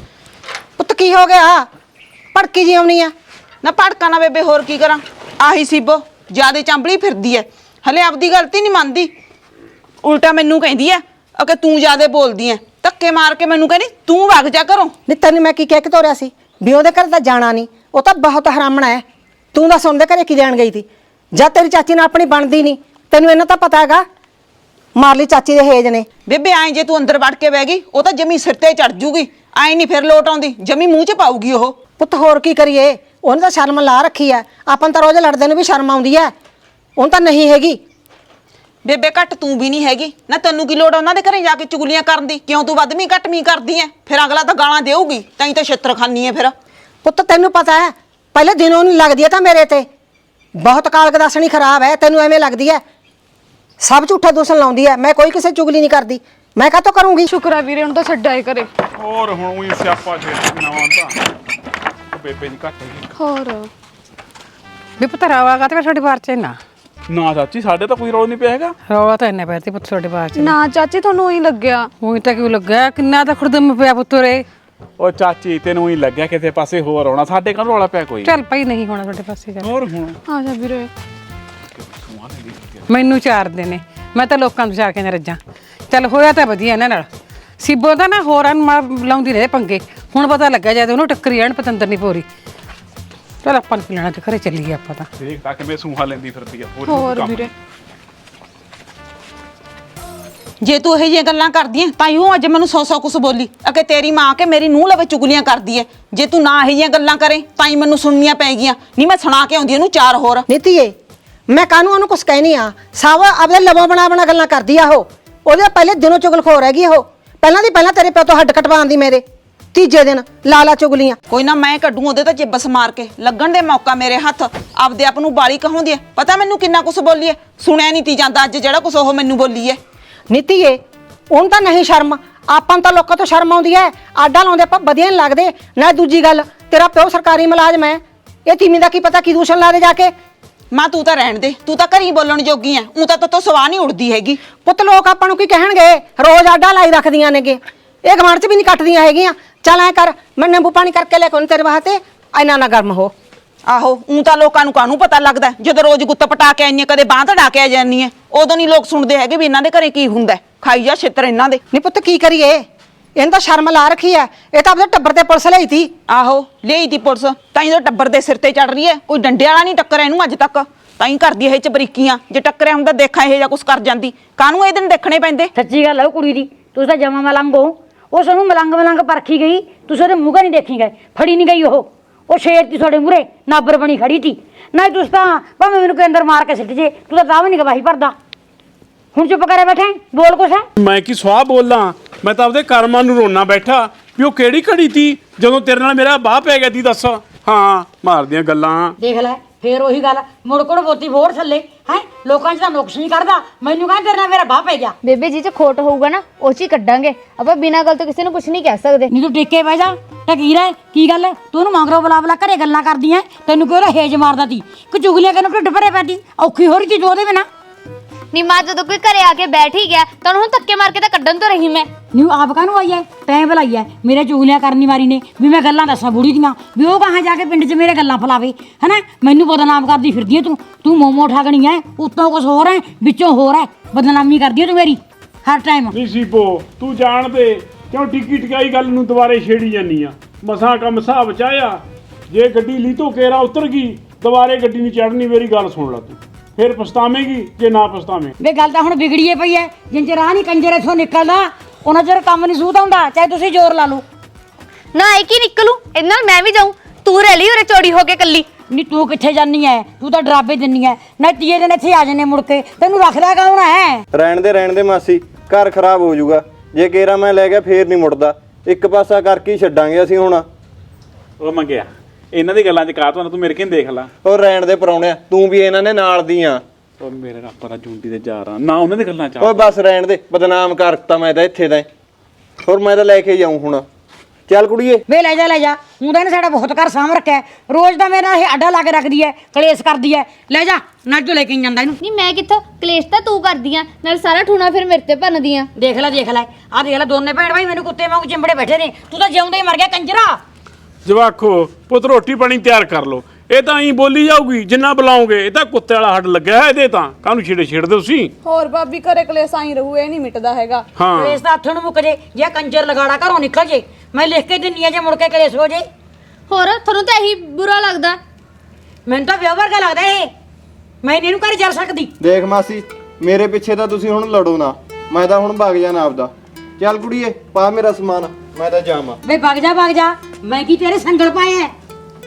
S8: ਪੁੱਤ ਕੀ ਹੋ ਗਿਆ? ਭੜਕੀ ਜੀ ਆਉਣੀ ਆ?
S2: ਨਾ ਭੜਕਾ ਨਾ ਬੇਬੇ, ਹੋਰ ਕੀ ਕਰਾਂ? ਆਹੀ ਸੀਬੋ ਜਿਆਦੇ ਚਾਂਬਲੀ ਫਿਰਦੀ ਐ, ਹਲੇ ਆਪਦੀ ਗਲਤੀ ਨਹੀਂ ਮੰਨਦੀ। ਉਲਟਾ ਮੈਨੂੰ ਕਹਿੰਦੀ ਐ ਕਿ ਤੂੰ ਜਿਆਦੇ ਬੋਲਦੀ ਐ, ਧੱਕੇ ਮਾਰ ਕੇ ਮੈਨੂੰ ਕਹਿੰਦੀ ਤੂੰ ਵਗ ਜਾ ਘਰੋਂ।
S8: ਨਹੀਂ ਤੈਨੂੰ ਮੈਂ ਕੀ ਕਹਿ ਕੇ ਤੋਰਿਆ ਸੀ ਵੀ ਉਹਦੇ ਘਰ ਤਾਂ ਜਾਣਾ ਨਹੀਂ, ਉਹ ਤਾਂ ਬਹੁਤ ਹਰਾਮਣਾ ਹੈ। ਤੂੰ ਦੱਸ ਉਹਦੇ ਘਰੇ ਕੀ ਜਾਣ ਗਈ ਸੀ? ਜਾਂ ਤੇਰੀ ਚਾਚੀ ਨਾਲ ਆਪਣੀ ਬਣਦੀ ਨਹੀਂ? ਤੈਨੂੰ ਇਹਨਾਂ ਤਾਂ ਪਤਾ ਹੈਗਾ ਮਾਰ ਲਈ ਚਾਚੀ ਦੇ ਹੇਜ ਨੇ।
S2: ਬੇਬੇ ਐਂ ਜੇ ਤੂੰ ਅੰਦਰ ਵੜ ਕੇ ਬਹਿ ਗਈ ਉਹ ਤਾਂ ਜਮੀ ਸਿਰ ਤੇ ਚੜ ਜੂਗੀ, ਐਂ ਨਹੀਂ ਫਿਰ ਲੋਟ ਆਉਂਦੀ, ਜਮੀ ਮੂੰਹ 'ਚ ਪਾਊਗੀ ਉਹ।
S8: ਪੁੱਤ ਹੋਰ ਕੀ ਕਰੀਏ, ਉਹਨੇ ਤਾਂ ਸ਼ਰਮ ਲਾ ਰੱਖੀ ਐ। ਆਪਾਂ ਨੂੰ ਤਾਂ ਰੋਜ਼ ਲੜਦੇ ਨੂੰ ਵੀ ਸ਼ਰਮ ਆਉਂਦੀ ਐ, ਉਹਨੂੰ ਤਾਂ ਨਹੀਂ ਹੈਗੀ।
S2: ਬੇਬੇ ਘੱਟ ਤੂੰ ਵੀ ਨਹੀਂ ਹੈਗੀ ਨਾ, ਤੈਨੂੰ ਕੀ ਲੋੜ ਉਹਨਾਂ ਦੇ ਘਰੇ ਜਾ ਕੇ ਚੁਗਲੀਆਂ ਕਰਨ ਦੀ? ਕਿਉਂ ਤੂੰ ਵੱਧਵੀਂ ਘੱਟਵੀਂ ਕਰਦੀ ਐ? ਫਿਰ ਅਗਲਾ ਤਾਂ ਗਾਲਾਂ ਦੇਊਗੀ, ਤਾਂ ਤਾਂ ਛਿੱਤਰ ਖਾਨੀ ਐ ਫਿਰ।
S8: ਪੁੱਤ ਤੈਨੂੰ ਪਤਾ ਹੈ ਪਹਿਲੇ ਦਿਨੋਂ ਨਹੀਂ ਲੱਗਦੀ ਐ ਤਾਂ ਮੇਰੇ ਤੇ ਬਹੁਤ ਕਾਲਕ ਦੱਸਣੀ ਖਰਾਬ ਹੈ। ਤੈਨੂੰ ਐਵੇਂ ਲੱਗਦੀ ਐ ਸਭ ਝੂਠਾ ਦੋਸਣ ਲਾਉਂਦੀ ਐ। ਮੈਂ ਕੋਈ ਕਿਸੇ ਚੁਗਲੀ ਨਹੀਂ ਕਰਦੀ, ਮੈਂ ਕਾਹਤੋਂ ਕਰੂੰਗੀ?
S7: ਸ਼ੁਕਰ ਆ ਵੀਰੇ ਹੁਣ ਤਾਂ ਛੱਡਾਏ ਕਰੇ।
S6: ਹੋਰ ਹੁਣ ਉਹੀ ਸਿਆਪਾ ਛੇੜ ਨਵਾਂ ਤਾਂ ਬੇਬੇ ਦੀ ਘੱਟ ਹੈਗੀ।
S7: ਹੋਰ
S1: ਵੀ ਪੁੱਤ ਰੌਲਾ ਕਾਤੇ ਫਿਰ ਤੁਹਾਡੇ ਬਾਰ ਚ ਨਾ
S6: ਨਾ ਚਾਚੀ ਸਾਡੇ ਤਾਂ ਕੋਈ ਰੋਲ ਨਹੀਂ ਪਿਆ ਹੈਗਾ।
S1: ਰੌਲਾ ਤਾਂ ਇੰਨੇ ਪੈਰ ਤੇ ਪੁੱਤ ਤੁਹਾਡੇ ਬਾਰ ਚ
S7: ਨਾ ਚਾਚੀ ਤੁਹਾਨੂੰ ਹੀ ਲੱਗਿਆ।
S1: ਉਹੀ ਤਾਂ ਕਿਉਂ ਲੱਗਾ ਕਿੰਨਾ ਤਾਂ ਖੁਰਦਮ ਪਿਆ ਪੁੱਤਰੇ।
S6: ਉਹ ਚਾਚੀ ਤੈਨੂੰ ਹੀ ਲੱਗਿਆ ਕਿਸੇ ਪਾਸੇ ਹੋਰ ਆਉਣਾ, ਸਾਡੇ ਘਰ ਰੌਲਾ ਪਿਆ ਕੋਈ।
S1: ਚੱਲ ਪਈ ਨਹੀਂ ਹੋਣਾ ਤੁਹਾਡੇ ਪਾਸੇ ਚੱਲ।
S6: ਹੋਰ ਹੁਣ
S7: ਆ ਜਾ ਵੀਰੇ।
S1: ਮੈਨੂੰ ਚਾਰਦੇ ਨੇ, ਮੈਂ ਤਾਂ ਲੋਕਾਂ ਨੂੰ ਚਾਰ ਕੇ ਨਾ ਰੱਜਾਂ। ਚੱਲ ਹੋਇਆ ਤਾਂ ਵਧੀਆ ਇਹਨਾਂ ਨਾਲ। ਸੀਬੋ ਤਾਂ ਨਾ ਹੋਰਾਂ ਨੂੰ ਮਾਰ ਲਾਉਂਦੀ ਰਹੇ ਪੰਗੇ, ਹੁਣ ਪਤਾ ਲੱਗਾ ਜਦ ਉਹਨੂੰ ਟੱਕਰੀ ਜਾਣ ਪਤੰਦਰ ਨਹੀਂ ਪੋਰੀ। ਚਲ ਆਪਾਂ ਨੂੰ ਲੈਣਾ ਤੇ ਘਰੇ ਚੱਲੀਏ ਆਪਾਂ ਤਾਂ।
S6: ਦੇਖ ਤਾਂ ਕਿਵੇਂ ਸੂਹਾ ਲੈਂਦੀ ਫਿਰਦੀ ਆ।
S7: ਹੋਰ ਵੀਰੇ
S2: ਜੇ ਤੂੰ ਇਹੋ ਜਿਹੀਆਂ ਗੱਲਾਂ ਕਰਦੀ ਐ ਤਾਂ ਉਹ ਅੱਜ ਮੈਨੂੰ ਸੌ ਸੌ ਕੁਛ ਬੋਲੀ ਅਕੇ ਤੇਰੀ ਮਾਂ ਕੇ ਮੇਰੀ ਨੂੰਹ ਲਵੇ ਚੁਗਲੀਆਂ ਕਰਦੀ ਐ। ਜੇ ਤੂੰ ਨਾ ਇਹੋ ਜਿਹੀਆਂ ਗੱਲਾਂ ਕਰੇ ਤਾਂ ਹੀ ਮੈਨੂੰ ਸੁਣਨੀਆਂ ਪੈ ਗਈਆਂ। ਨਹੀਂ ਮੈਂ ਸੁਣਾ ਕੇ ਆਉਂਦੀ ਇਹਨੂੰ ਚਾਰ ਹੋਰ।
S8: ਨੀਤੀਏ ਮੈਂ ਕਾਹਨੂੰ ਉਹਨੂੰ ਕੁਛ ਕਹਿਨੀ ਆ? ਸਭ ਆਪਦੇ ਲਵੋਂ ਬਣਾ ਬਣਾ ਗੱਲਾਂ ਕਰਦੀ ਆ ਉਹ। ਉਹਦੇ ਪਹਿਲੇ ਦਿਨੋਂ ਚੁਗਲਖੋਰ ਹੈਗੀ ਉਹ। ਪਹਿਲਾਂ ਦੀ ਪਹਿਲਾਂ ਤੇਰੇ ਪਿਓ ਤੋਂ ਹੱਡ ਕਟਵਾਉਣ ਦੀ ਮੇਰੇ ਤੀਜੇ ਦਿਨ ਲਾਲਾ ਚੁਗਲੀਆਂ।
S2: ਕੋਈ ਨਾ ਮੈਂ ਕੱਢੂ ਉਹਦੇ ਤਾਂ ਜਿੱਬਸ ਮਾਰ ਕੇ, ਲੱਗਣ ਦੇ ਮੌਕਾ ਮੇਰੇ ਹੱਥ। ਆਪਦੇ ਆਪ ਨੂੰ ਬਾਲੀ ਕਹਾਉਂਦੀ ਐ, ਪਤਾ ਮੈਨੂੰ ਕਿੰਨਾ ਕੁਛ ਬੋਲੀ ਐ। ਸੁਣਿਆ ਨਹੀਂ ਤੀ ਜਾਂਦਾ ਅੱਜ ਜਿਹੜਾ ਕੁਛ ਉਹ ਮੈਨੂੰ ਬੋਲੀ ਐ।
S8: ਨੀਤੀਏ ਉਹਨੂੰ ਤਾਂ ਨਹੀਂ ਸ਼ਰਮ, ਆਪਾਂ ਨੂੰ ਤਾਂ ਲੋਕਾਂ ਤੋਂ ਸ਼ਰਮ ਆਉਂਦੀ ਐ। ਆਡਾ ਲਾਉਂਦੇ ਆਪਾਂ ਵਧੀਆ ਨਹੀਂ ਲੱਗਦੇ ਨਾ। ਦੂਜੀ ਗੱਲ ਤੇਰਾ ਪਿਓ ਸਰਕਾਰੀ ਮੁਲਾਜ਼ਮ ਐ, ਇਹ ਤੀਵੀਂ ਦਾ ਕੀ ਪਤਾ ਕੀ ਦੂਸ਼ਣ ਲਾ ਦੇ ਜਾ ਕੇ।
S2: ਮਾਂ ਤੂੰ ਤਾਂ ਰਹਿਣ ਦੇ, ਤੂੰ ਤਾਂ ਘਰੀ ਬੋਲਣ ਜੋਗੀ ਐ। ਉਹ ਤਾਂ ਤੋ ਸਵਾਹ ਨਹੀਂ ਉੜਦੀ ਹੈਗੀ।
S8: ਪੁੱਤ ਲੋਕ ਆਪਾਂ ਨੂੰ ਕੀ ਕਹਿਣਗੇ? ਰੋਜ਼ ਆਡਾ ਲਾਈ ਰੱਖਦੀਆਂ ਨੇਗੇ, ਇਹ ਗਵਾਂਢ ਚ ਵੀ ਨਹੀਂ ਕੱਟਦੀਆਂ ਹੈਗੀਆਂ। ਚੱਲ ਐ ਕਰ ਮੈਂ ਨਿੰਬੂ ਪਾਣੀ ਕਰਕੇ ਲੈ ਕੇ ਤੇਰੇ ਵਾਸਤੇ, ਇੰਨਾ ਨਾ ਗਰਮ ਹੋ।
S2: ਆਹੋ ਉਹ ਤਾਂ ਲੋਕਾਂ ਨੂੰ ਕਾਹਨੂੰ ਪਤਾ ਲੱਗਦਾ ਜਦੋਂ ਰੋਜ਼ ਗੁੱਤ ਪਟਾ ਕੇ ਆਈਆਂ, ਕਦੇ ਬਾਂਹ ਧੜਾ ਕੇ ਆ ਜਾਂਦੀ ਐ। ਉਦੋਂ ਨਹੀਂ ਲੋਕ ਸੁਣਦੇ ਹੈਗੇ ਵੀ ਇਹਨਾਂ ਦੇ ਘਰੇ ਕੀ ਹੁੰਦਾ। ਖਾਈ ਜਾ ਛਿੱਤਰ ਇਹਨਾਂ ਦੇ।
S8: ਨਹੀਂ ਪੁੱਤ ਕੀ ਕਰੀਏ, ਇਹਨੂੰ ਤਾਂ ਸ਼ਰਮ ਲਾ ਰੱਖੀ ਐ। ਇਹ ਤਾਂ ਆਪਣੇ ਟੱਬਰ ਤੇ ਪੁਲਿਸ ਲਈ ਤੀ।
S2: ਆਹੋ ਲਈ ਤੀ ਪੁਲਿਸ, ਤਾਂ ਇਹਦੇ ਟੱਬਰ ਦੇ ਸਿਰ ਤੇ ਚੜ ਰਹੀ ਐ। ਕੋਈ ਡੰਡੇ ਵਾਲਾ ਨਹੀਂ ਟੱਕਰ ਇਹਨੂੰ ਅੱਜ ਤੱਕ, ਤਾਂ ਹੀ ਕਰਦੀ ਇਹ ਚ ਬਰੀਕੀਆਂ। ਜੇ ਟੱਕਰਿਆ ਹੁੰਦਾ ਦੇਖਾਂ ਇਹ ਜਾਂ ਕੁਛ ਕਰ ਜਾਂਦੀ। ਕਾਹਨੂੰ ਇਹ ਦਿਨ ਦੇਖਣੇ ਪੈਂਦੇ।
S1: ਸੱਚੀ ਗੱਲ ਹੈ ਉਹ ਕੁੜੀ ਦੀ। ਤੁਸੀਂ ਤਾਂ ਜਮਾ ਮਲੰਗ ਹੋ। ਉਹ ਸਾਨੂੰ ਮਲੰਗ ਮਲੰਗ ਪਰਖੀ ਗਈ, ਤੁਸੀਂ ਉਹਦੇ ਮੂੰਹ ਨਹੀਂ ਦੇਖੀ ਗਏ, ਫੜੀ ਨਹੀਂ ਗਈ ਉਹ। ਉਹ ਸ਼ੇਰ ਤੀ ਤੁਹਾਡੇ ਮੂਰੇ ਨਾਬਰ ਬਣੀ ਖੜੀ ਤੀ ਨਹੀਂ ਤੁਸੀਂ ਤਾਂ ਭਾਵੇਂ ਮੈਨੂੰ ਕੋਈ ਅੰਦਰ ਮਾਰ ਕੇ ਸਿੱਟ ਜੇ ਤੂੰ ਤਾਂ ਤਾਂ ਵੀ ਨਹੀਂ ਗਵਾਹੀ ਭਰਦਾ ਹੁਣ ਚੁੱਪ ਕਰੇ ਬੈਠੇ ਬੋਲ ਕੁਛ ਹੈ
S3: ਮੈਂ ਕੀ ਸਵਾਹ ਬੋਲਾਂ ਮੈਂ ਤਾਂ ਆਪਦੇ ਕਰਮਾਂ ਨੂੰ ਰੋਣਾ ਬੈਠਾ ਵੀ ਉਹ ਕਿਹੜੀ ਘੜੀ ਤੀ ਜਦੋਂ ਤੇਰੇ ਨਾਲ ਮੇਰਾ ਬਾਹ ਪੈ ਗਿਆ ਤੀ ਦੱਸ ਹਾਂ ਮਾਰਦੀਆਂ ਗੱਲਾਂ
S1: ਦੇਖ ਲੈ ਫੇਰ ਉਹੀ ਗੱਲ ਮੁੜ ਕੋੜ ਬੋਤੀ ਫੋੜ ਥੱਲੇ ਹੈ ਲੋਕਾਂ 'ਚ ਤਾਂ ਨੁਕਸ ਨਹੀਂ ਕਰਦਾ ਮੈਨੂੰ ਕਹਿੰਦਾ ਤੇਰੇ ਨਾਲ ਮੇਰਾ ਬਾਹ ਪੈ ਗਿਆ
S4: ਬੇਬੇ ਜੀ ਚ ਖੋਟ ਹੋਊਗਾ ਨਾ ਉਹ ਚ ਹੀ ਕੱਢਾਂਗੇ ਆਪਾਂ ਬਿਨਾਂ ਗੱਲ ਤੋਂ ਕਿਸੇ ਨੂੰ ਕੁਝ ਨਹੀਂ ਕਹਿ ਸਕਦੇ
S1: ਨਹੀਂ ਤੂੰ ਟੇਕੇ ਬਹਿ ਜਾ ਟਕੀਰ ਹੈ ਕੀ ਗੱਲ ਹੈ ਤੂੰ ਉਹਨੂੰ ਮੰਗਰੋ ਬੁਲਾ ਬੁਲਾ ਘਰੇ ਗੱਲਾਂ ਕਰਦੀ ਐ ਤੈਨੂੰ ਕਿਉਂ ਹੇਜ ਮਾਰਦਾ ਤੀ ਕਿ ਚੁਗਲੀਆਂ ਕਰਨ ਢਿੱਡ ਭਰੇ ਪੈਦੀ ਔਖੀ ਹੋ ਰਹੀ ਤੀ ਜੋ ਉਹਦੇ ਬਿਨਾ
S4: ਨੀ ਮਾਂ ਜਦੋਂ ਕੋਈ ਘਰੇ ਆ ਕੇ ਬੈਠ ਹੀ ਗਿਆ ਤਾਂ ਹੁਣ ਧੱਕੇ ਮਾਰ ਕੇ ਤਾਂ ਕੱਢਣ ਤੋਂ ਰਹੀ ਮੈਂ
S1: ਨੀ ਆਪ ਕਾਹਨੂੰ ਆਈ ਐ ਤੈਂ ਬੁਲਾਈ ਐ ਮੇਰੇ ਚੁਗਲੀਆਂ ਕਰਨੀ ਵਾਰੀ ਨੇ ਵੀ ਮੈਂ ਗੱਲਾਂ ਦੱਸਾਂ ਬੁੜੀ ਦੀਆਂ ਵੀ ਉਹ ਕਹਾਂ ਜਾ ਕੇ ਪਿੰਡ 'ਚ ਮੇਰੇ ਗੱਲਾਂ ਫਲਾਵੇ ਹਨਾ ਮੈਨੂੰ ਬਦਨਾਮ ਕਰਦੀ ਫਿਰਦੀ ਐ ਤੂੰ ਤੂੰ ਮੋਮੋ ਠਾਗਣੀ ਐ ਉੱਤੋਂ ਕੁਛ ਹੋਰ ਐ ਵਿੱਚੋਂ ਹੋਰ ਐ ਬਦਨਾਮੀ ਕਰਦੀ ਐ ਤੂੰ ਮੇਰੀ ਹਰ ਟਾਈਮ
S3: ਨਹੀਂ ਸੀਪੋ ਤੂੰ ਜਾਣ ਦੇ ਕਿਉਂ ਟਿੱਕੀ ਟਿਕਾਈ ਗੱਲ ਨੂੰ ਦੁਬਾਰੇ ਛੇੜੀ ਜਾਨੀ ਆ ਮਸਾਂ ਕੰਮ ਹਿਸਾਬ ਚ ਆਇਆ ਜੇ ਗੱਡੀ ਲੀਤੋ ਕੇਰਾ ਉਤਰ ਗਈ ਦੁਬਾਰੇ ਗੱਡੀ ਨਹੀਂ ਚੜਨੀ ਮੇਰੀ ਗੱਲ ਸੁਣ ਲੈ ਤੂੰ ਫਿਰ ਪਛਤਾਵੇਂਗੀ ਜੇ ਨਾ ਪਛਤਾਵੇਂ
S1: ਵੇ ਗੱਲ ਤਾਂ ਹੁਣ ਵਿਗੜੀਏ ਪਈ ਐ ਜਿੰਨ ਰਾਹ ਨਹੀਂ ਕੰਜਰ ਇਥੋਂ ਨਿਕਲਦਾ ਉਹਨਾਂ ਚਿਰ ਕੰਮ ਨਹੀਂ ਸੂਤ ਹੁੰਦਾ ਚਾਹੇ ਤੁਸੀਂ ਜ਼ੋਰ ਲਾ ਲਓ
S4: ਨਾ ਇੱਕ ਹੀ ਨਿਕਲੂ ਇਹਦੇ ਨਾਲ ਮੈਂ ਵੀ ਜਾਊਂ ਤੂੰ ਰਹਿ ਲਈ ਉਰੇ ਚੋੜੀ ਹੋ ਕੇ ਕੱਲੀ
S1: ਨੀ ਤੂੰ ਕਿੱਥੇ ਜਾਨੀ ਐ ਤੂੰ ਤਾਂ ਡਰਾਬੇ ਦਿੰਨੀ ਐ ਨਾ ਤੀਏ ਦਿਨ ਇੱਥੇ ਆ ਜੰਨੇ ਮੁੜ ਕੇ ਤੈਨੂੰ ਰੱਖਦਾ ਕੌਣ ਐ
S5: ਰਹਿਣ ਦੇ ਰਹਿਣ ਦੇ ਮਾਸੀ ਘਰ ਖਰਾਬ ਹੋ ਜਾਊਗਾ ਜੇ ਕੇਰਾ ਮੈਂ ਲੈ ਗਿਆ ਫੇਰ ਨਹੀਂ ਮੁੜਦਾ ਇੱਕ ਪਾਸਾ ਕਰਕੇ ਹੀ ਛੱਡਾਂਗੇ ਅਸੀਂ ਹੁਣ
S6: ਉਹ ਮੰਗਿਆ ਇਹਨਾਂ ਦੀ ਗੱਲਾਂ 'ਚ ਕਾ ਤੁਹਾਨੂੰ ਤੂੰ ਮੇਰੇ ਕਿਨ ਦੇਖ ਲਾ
S5: ਉਹ ਰਹਿਣ ਦੇ ਪਰਾਉਣਿਆ ਤੂੰ ਵੀ ਇਹਨਾਂ ਨੇ ਨਾਲ ਦੀ ਆ
S6: ਉਹ ਮੇਰੇ ਰੱਬ ਦਾ ਜੁੰਡੀ ਦੇ ਜਾ ਰਾਂ ਨਾ ਉਹਨਾਂ ਦੀ ਗੱਲਾਂ 'ਚ
S5: ਓਏ ਬਸ ਰਹਿਣ ਦੇ ਬਦਨਾਮ ਕਰਤਾ ਮੈਂ ਤਾਂ ਇੱਥੇ ਦਾ ਹੋਰ ਮੈਂ ਤਾਂ ਲੈ ਕੇ ਜਾਊਂ ਹੁਣ ਚੱਲ ਕੁੜੀਏ
S1: ਵੇ ਲੈ ਜਾ ਲੈ ਜਾ ਹੁਣ ਤਾਂ ਇਹਨੇ ਸਾਡਾ ਬਹੁਤ ਘਰ ਸਾਂਭ ਰੱਖਿਆ ਰੋਜ਼ ਦਾ ਮੇਰਾ ਇਹ ਅੱਡਾ ਲਾ ਕੇ ਰੱਖਦੀ ਐ ਕਲੇਸ਼ ਕਰਦੀ ਐ ਲੈ ਜਾ ਨਾ ਜੋ ਲੈ ਕੇ ਜਾਂਦਾ ਇਹਨੂੰ
S4: ਨਹੀਂ ਮੈਂ ਕਿੱਥੋਂ ਕਲੇਸ਼ ਤਾਂ ਤੂੰ ਕਰਦੀ ਆ ਨਾਲ ਸਾਰਾ ਠੂਣਾ ਫਿਰ ਮੇਰੇ ਤੇ ਭੰਨਦੀ ਆ
S1: ਦੇਖ ਲੈ ਦੇਖ ਲੈ ਆਹ ਦੇਖ ਲੈ ਦੋਨੇ ਭੈਣ ਭਾਈ ਮੈਨੂੰ ਕੁੱਤੇ ਵਾਂਗ ਚਿੰਬੜੇ ਬੈਠੇ ਨੇ ਤੂੰ ਤਾਂ ਜਿਉਂਦਾ ਹੀ ਮਰ ਗਿਆ ਕੰਜਰਾ
S3: ਜਵਾਖੋ ਪੁੱਤ ਰੋਟੀ ਪਾਣੀ ਤਿਆਰ ਕਰ ਲੋ ਇਹ ਤਾਂ ਐਂ ਬੋਲੀ ਜਾਊਗੀ ਜਿੰਨਾ ਬੁਲਾਉਂਗੇ ਇਹ ਤਾਂ ਕੁੱਤੇ ਵਾਲਾ ਹੱਡ ਲੱਗਿਆ ਹੈ ਇਹਦੇ ਤਾਂ ਕਾਹਨੂੰ ਛੇੜੇ ਛੇੜਦੇ ਤੁਸੀਂ
S7: ਹੋਰ ਭਾਬੀ ਘਰੇ ਕਲੇਸ਼ ਆਈ ਰਹੂ ਇਹ ਨਹੀਂ ਮਿਟਦਾ ਹੈਗਾ
S3: ਹਾਂ
S1: ਕਲੇਸ਼ ਤਾਂ ਹੱਥੋਂ ਨੂੰ ਮੁੱਕ ਜੇ ਜੇ ਕੰਜਰ ਲਗਾੜਾ ਘਰੋਂ ਨਿਕਲ ਜੇ ਮੈਂ ਲਿਖ ਕੇ ਦਿੰਨੀ ਆ ਜੇ ਮੁੜ ਕੇ ਕਲੇਸ਼ ਹੋ ਜੇ
S4: ਹੋਰ ਤੁਹਾਨੂੰ ਤਾਂ ਇਹੀ ਬੁਰਾ ਲੱਗਦਾ
S1: ਮੈਨੂੰ ਤਾਂ ਵਿਆਹ ਵਰਗਾ ਲੱਗਦਾ ਇਹ ਮੈਂ ਨੀ ਇਹਨੂੰ ਘਰ ਜਾ ਸਕਦੀ
S5: ਦੇਖ ਮਾਸੀ ਮੇਰੇ ਪਿੱਛੇ ਤਾਂ ਤੁਸੀਂ ਹੁਣ ਲੜੋ ਨਾ ਮੈਂ ਤਾਂ ਹੁਣ ਭੱਗ ਜਾਣਾ ਆਪਦਾ ਚੱਲ ਕੁੜੀਏ ਪਾ ਮੇਰਾ ਸਮਾਨ ਮੈਂ ਤਾਂ ਜਾਵਾਂ
S1: ਵੇ ਵਗ ਜਾ ਵਗ ਜਾ ਮੈਂ ਕੀ ਤੇਰੇ ਸੰਗਲ ਪਾਏ ਐ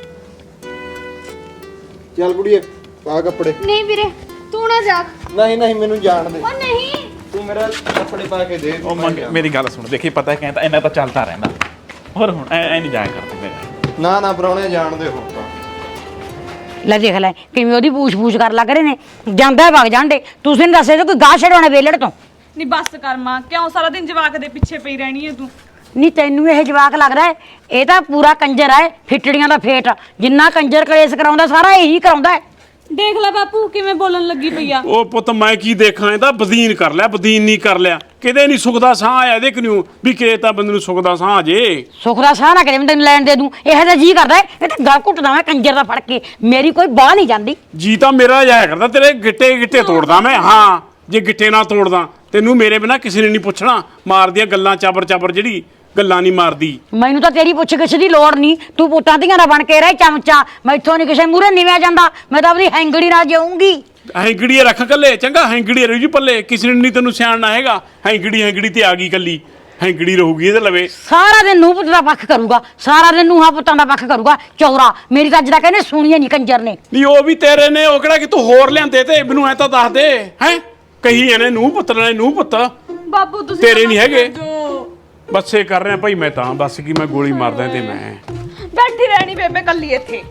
S5: ਚੱਲ ਕੁੜੀਏ ਪਾ ਕੱਪੜੇ
S4: ਨਹੀਂ ਵੀਰੇ ਤੂੰ ਨਾ ਜਾ
S5: ਨਹੀਂ ਨਹੀਂ ਮੈਨੂੰ ਜਾਣ ਦੇ
S4: ਉਹ ਨਹੀਂ
S5: ਤੂੰ ਮੇਰਾ ਕੱਪੜੇ ਪਾ ਕੇ ਦੇ
S6: ਉਹ ਮੰਗ ਮੇਰੀ ਗੱਲ ਸੁਣ ਦੇਖੀ ਪਤਾ ਕਹਿੰਦਾ ਇਹਨਾਂ ਤਾਂ ਚੱਲਦਾ ਰਹਿੰਦਾ ਹੋਰ ਹੁਣ ਐ ਐ ਨਹੀਂ ਜਾਇਆ ਕਰਦੇ ਮੇਰੇ
S5: ਨਾ ਨਾ ਪਰਾਉਣੇ ਜਾਣ ਦੇ ਹੁਣ ਤਾਂ
S1: ਲੈ ਦੇਖ ਲੈ ਕਿਵੇਂ ਉਹਦੀ ਪੂਛ-ਪੂਛ ਕਰ ਲੱਗ ਰਹੇ ਨੇ ਜਾਂਦਾ ਵਗ ਜਾਂਦੇ ਤੁਸੀਂ ਨੇ ਦੱਸੇ ਕੋਈ ਗਾਹ ਛਡਾਉਣਾ ਵੇਲੜ ਤੋਂ
S7: ਨਹੀਂ ਬੱਸ ਕਰ ਮਾਂ ਕਿਉਂ ਸਾਰਾ ਦਿਨ ਜਵਾਕ ਦੇ ਪਿੱਛੇ ਪਈ ਰਹਿਣੀ ਹੈ ਤੂੰ
S1: ਨਹੀਂ ਤੈਨੂੰ ਇਹ ਜਵਾਕ ਲੱਗਦਾ ਹੈ ਇਹ ਤਾਂ ਪੂਰਾ ਕੰਜਰ ਹੈ ਫਿੱਟੜੀਆਂ ਦਾ ਫੇਟ ਜਿੰਨਾ ਕੰਜਰ ਕਲੇਸ਼ ਕਰਾਉਂਦਾ ਸਾਰਾ ਇਹੀ ਕਰਾਉਂਦਾ ਹੈ
S7: ਦੇਖ ਲੈ ਬਾਪੂ ਕਿਵੇਂ ਬੋਲਣ ਲੱਗੀ ਪਈ ਆ
S3: ਉਹ ਪੁੱਤ ਮੈਂ ਕੀ ਦੇਖਾਂ ਇਹਦਾ ਬਦੀਨ ਕਰ ਲਿਆ ਬਦੀਨ ਨਹੀਂ ਕਰ ਲਿਆ ਕਿਤੇ ਨਹੀਂ ਸੁੱਖ ਦਾ ਸਾਹ ਆਇਆ ਇਹਦੇ ਕਿਉਂ ਵੀ ਕਿਤੇ ਤਾਂ ਬੰਦੇ ਨੂੰ ਸੁੱਖ ਦਾ ਸਾਹ ਆ ਜੇ
S1: ਸੁੱਖ ਦਾ ਸਾਹ ਨਾ ਕਰੇ ਮੈਂ ਤੈਨੂੰ ਲੈਣ ਦੇ ਦੂੰ ਇਹੋ ਜਿਹਾ ਜੀ ਕਰਦਾ ਹੈ, ਇਹ ਤਾਂ ਗਲ ਘੁੱਟਦਾ ਮੈਂ ਕੰਜਰ ਦਾ ਫੜ ਕੇ ਮੇਰੀ ਕੋਈ ਬਾਹ ਨਹੀਂ ਜਾਂਦੀ
S3: ਜੀ ਤਾਂ ਮੇਰਾ ਜਾਇਆ ਕਰਦਾ ਤੇਰੇ ਗਿੱਟੇ ਗਿੱਟੇ ਤੋੜਦਾ ਮੈਂ ਹਾਂ ਜੇ ਗਿੱਟੇ ਨਾ ਤੋੜਦਾ ਤੈਨੂੰ ਮੇਰੇ ਬਿਨਾ ਕਿਸੇ ਨੇ ਨਹੀਂ ਪੁੱਛਣਾ ਮਾਰਦੀਆਂ ਗੱਲਾਂ ਚਾਬਰ ਚਾਬਰ ਜਿਹੜੀ ਗੱਲਾਂ ਨਹੀਂ ਮਾਰਦੀ
S1: ਮੈਨੂੰ ਤਾਂ ਤੇਰੀ ਪੁੱਛ ਗਿੱਛ ਦੀ ਲੋੜ ਨਹੀਂ ਤੂੰ ਪੁੱਤਾਂ ਧੀਆਂ ਦਾ ਬਣ ਕੇ ਰਹਿ ਚਮਚਾ ਮੈਥੋਂ ਨਹੀਂ ਕਿਸੇ ਮੂਹਰੇ ਨਿਵਿਆ ਜਾਂਦਾ ਮੈਂ ਤਾਂ ਆਪਣੀ ਹੈਂਗੜੀ ਨਾਲ ਜਾਊਂਗੀ
S3: ਹੈਂਗੜੀਏ ਰੱਖ ਕੱਲੇ ਚੰਗਾ ਹੈਂਗੜੀ ਰਹੂ ਜੀ ਪੱਲੇ ਕਿਸੇ ਨੇ ਨਹੀਂ ਤੈਨੂੰ ਸਿਆਣਨਾ ਹੈਗਾ ਹੈਂਗੜੀ ਹੈਂਗੜੀ ਤੇ ਆ ਗਈ ਕੱਲੀ ਹੈਂਗੜੀ ਰਹੂਗੀ ਇਹਦੇ ਲਵੇ
S1: ਸਾਰਾ ਦਿਨ ਨੂੰ ਪੁੱਤ ਦਾ ਪੱਖ ਕਰੂਗਾ ਸਾਰਾ ਦਿਨ ਨੂੰਹਾਂ ਪੁੱਤਾਂ ਦਾ ਪੱਖ ਕਰੂਗਾ ਚੌਰਾ ਮੇਰੀ ਤਾਂ ਅੱਜ ਦਾ ਕਹਿੰਦੇ ਸੁਣੀਏ ਨਹੀਂ ਕੰਜਰ ਨੇ
S3: ਨਹੀਂ ਉਹ ਵੀ ਤੇਰੇ ਨੇ ਉਹ ਕਿਹੜਾ ਕਿ ਤੂੰ ਹੋਰ ਲਿਆਂਦੇ ਤੇ ਮੈਨੂੰ ਐ ਤਾਂ ਦੱਸ ਦੇ ਹੈ ਕਹੀ ਇਹਨੇ ਨੂੰ ਪੁੱਤ ਨੇ ਨੂੰ ਪੁੱਤ
S7: ਬਾਪੂ ਤੁਸੀਂ
S3: ਤੇਰੇ ਨਹੀਂ ਹੈਗੇ
S7: ਜੋ
S3: ਬੱਸੇ ਕਰ ਰਿਹਾ ਭਾਈ ਮੈਂ ਤਾਂ ਬਸ ਕੀ ਮੈਂ ਗੋਲੀ ਮਾਰਦਾ ਤੇ ਮੈਂ
S7: ਬੈਠੀ ਰਹਿਣੀ ਬੇਬੇ ਕੱਲੀ ਇੱਥੇ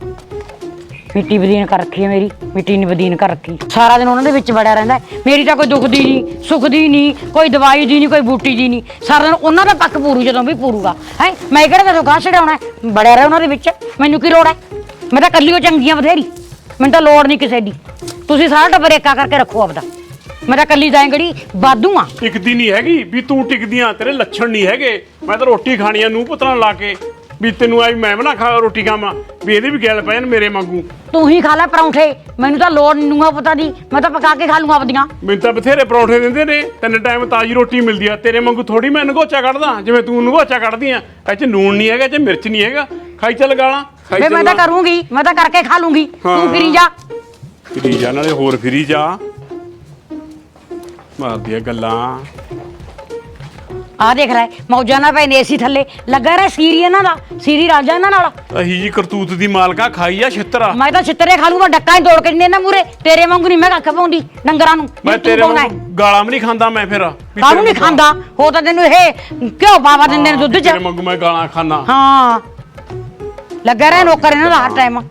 S1: ਮਿੱਟੀ ਬਦੀਨ ਕਰ ਰੱਖੀ ਹੈ ਮੇਰੀ ਮਿੱਟੀ ਨਹੀਂ ਬਦੀਨ ਕਰ ਰੱਖੀ ਸਾਰਾ ਦਿਨ ਉਹਨਾਂ ਦੇ ਵਿੱਚ ਵੜਿਆ ਰਹਿੰਦਾ ਹੈ। ਮੇਰੀ ਤਾਂ ਕੋਈ ਦੁੱਖ ਦੀ ਨਹੀਂ ਸੁੱਖ ਦੀ ਨਹੀਂ ਕੋਈ ਦਵਾਈ ਦੀ ਨਹੀਂ ਕੋਈ ਬੂਟੀ ਦੀ ਨਹੀਂ ਸਾਰਾ ਦਿਨ ਉਹਨਾਂ ਦਾ ਪੱਕ ਪੂਰੂ ਜਦੋਂ ਵੀ ਪੂਰੂਗਾ ਹੈ ਮੈਂ ਕਿਹੜਾ ਤੈਨੂੰ ਗਾਹ ਛਡਾਉਣਾ ਬੜਿਆ ਰਹਿ ਉਹਨਾਂ ਦੇ ਵਿੱਚ ਮੈਨੂੰ ਕੀ ਲੋੜ ਹੈ ਮੈਂ ਤਾਂ ਕੱਲੀ ਉਹ ਚੰਗੀਆਂ ਬਥੇਰੀ ਮੈਨੂੰ ਤਾਂ ਲੋੜ ਨਹੀਂ ਕਿਸੇ ਦੀ ਤੁਸੀਂ ਸਾਰਾ ਟੱਬਰ ਏਕਾ ਕਰਕੇ ਰੱਖੋ ਆਪਦਾ ਮੈਂ ਤਾਂ ਕੱਲੀ ਜਾਏਂਗੜੀ ਬਾਦੂ ਆ
S3: ਟਿਕਦੀ ਨਹੀਂ ਹੈਗੀ ਵੀ ਤੂੰ ਟਿਕਦੀਆਂ ਤੇਰੇ ਲੱਛਣ ਨਹੀਂ ਹੈਗੇ ਮੈਂ ਤਾਂ ਰੋਟੀ ਖਾਣੀ ਆ ਨੂੰ ਪੁੱਤਰਾਂ ਲਾ ਕੇ ਵੀ ਤੈਨੂੰ ਆਈ ਮੈਂ ਬਣਾ ਖਾ ਰੋਟੀ ਖਾਵਾਂ ਵੀ ਇਹਦੇ ਵੀ ਗੈਲ ਪੈ ਜਾਣ ਮੇਰੇ ਵਾਂਗੂ
S1: ਤੂੰ ਹੀ ਖਾ ਲੈ ਪਰੌਂਠੇ ਮੈਨੂੰ ਤਾਂ ਲੋੜ ਨਹੀਂ ਨੂੰਗਾ ਪਤਾ ਦੀ ਮੈਂ ਤਾਂ ਪਕਾ ਕੇ ਖਾ ਲੂੰਗਾ ਆਪਦੀਆਂ
S3: ਮੈਨੂੰ ਤਾਂ ਬਥੇਰੇ ਪਰੌਂਠੇ ਦਿੰਦੇ ਨੇ ਤਿੰਨ ਟਾਈਮ ਤਾਜ਼ੀ ਰੋਟੀ ਮਿਲਦੀ ਆ ਤੇਰੇ ਵਾਂਗੂ ਥੋੜੀ ਮੈਂ ਨਗੋਚਾ ਕੱਢਦਾ ਜਿਵੇਂ ਤੂੰ ਨਗੋਚਾ ਕੱਢਦੀ ਆ ਇਹ ਚ ਨੂਣ ਨਹੀਂ ਹੈਗਾ ਇਹ ਚ ਮਿਰਚ ਨਹੀਂ ਹੈਗਾ ਖਾਈ ਚੱਲ ਗਾਲਾਂ ਖਾਈ
S1: ਵੇ
S3: ਚੱਲ
S1: ਮੈਂ ਤਾਂ ਕਰੂੰਗੀ ਮੈਂ ਤਾਂ ਕਰਕੇ ਖਾ ਲੂੰਗੀ ਤੂੰ ਫਿਰੀ ਜਾ
S3: ਫਿਰੀ ਜਾ ਨਾਲੇ ਹੋਰ ਫਿਰੀ ਜਾ ਮਾਰਦੀਆਂ ਗੱਲਾਂ
S1: ਆ ਦੇਖ ਲੈ ਮੌਜਾਂ ਨਾਲ ਪਏ ਨੇ ਏਸੀ ਥੱਲੇ ਲੱਗਾ ਰਿਹਾ ਸੀਰੀ ਇਹਨਾਂ ਦਾ ਸੀਰੀ ਰਾਜਾ ਇਹਨਾਂ ਨਾਲ
S3: ਅਹੀ ਜੀ ਕਰਤੂਤ ਦੀ ਮਾਲਕਾ ਖਾਈ ਆ ਛਿੱਤਰਾ
S1: ਮੈਂ ਤਾਂ ਛਿੱਤਰੇ ਖਾ ਲੂੰਗਾ ਡੱਕਾ ਹੀ ਤੋੜ ਕੇ ਦਿੰਦੇ ਨਾ ਮੂਰੇ ਤੇਰੇ ਵਾਂਗੂ ਨਹੀਂ ਮੈਂ ਕੱਖ ਪਾਉਂਦੀ ਡੰਗਰਾਂ ਨੂੰ
S3: ਮੈਂ ਤੇਰੇ ਵਾਂਗੂ ਗਾਲਾਂ ਵੀ ਨਹੀਂ ਖਾਂਦਾ ਮੈਂ ਫਿਰ ਵੀ
S1: ਕਾਹਨੂੰ
S3: ਤੇਰੇ
S1: ਨਹੀਂ ਖਾਂਦਾ ਹੋ ਤਾਂ ਤੈਨੂੰ ਇਹ ਕਿਉਂ ਬਾਵਾ ਦਿੰਦੇ ਨੇ ਦੁੱਧ ਚ
S3: ਤੇਰੇ ਵਾਂਗੂ ਮੈਂ ਗਾਲਾਂ ਖਾਨਾ
S1: ਹਾਂ ਲੱਗਾ ਰਿਹਾ ਨੌਕਰ ਇਹਨਾਂ ਦਾ ਹਰ ਟਾਈਮ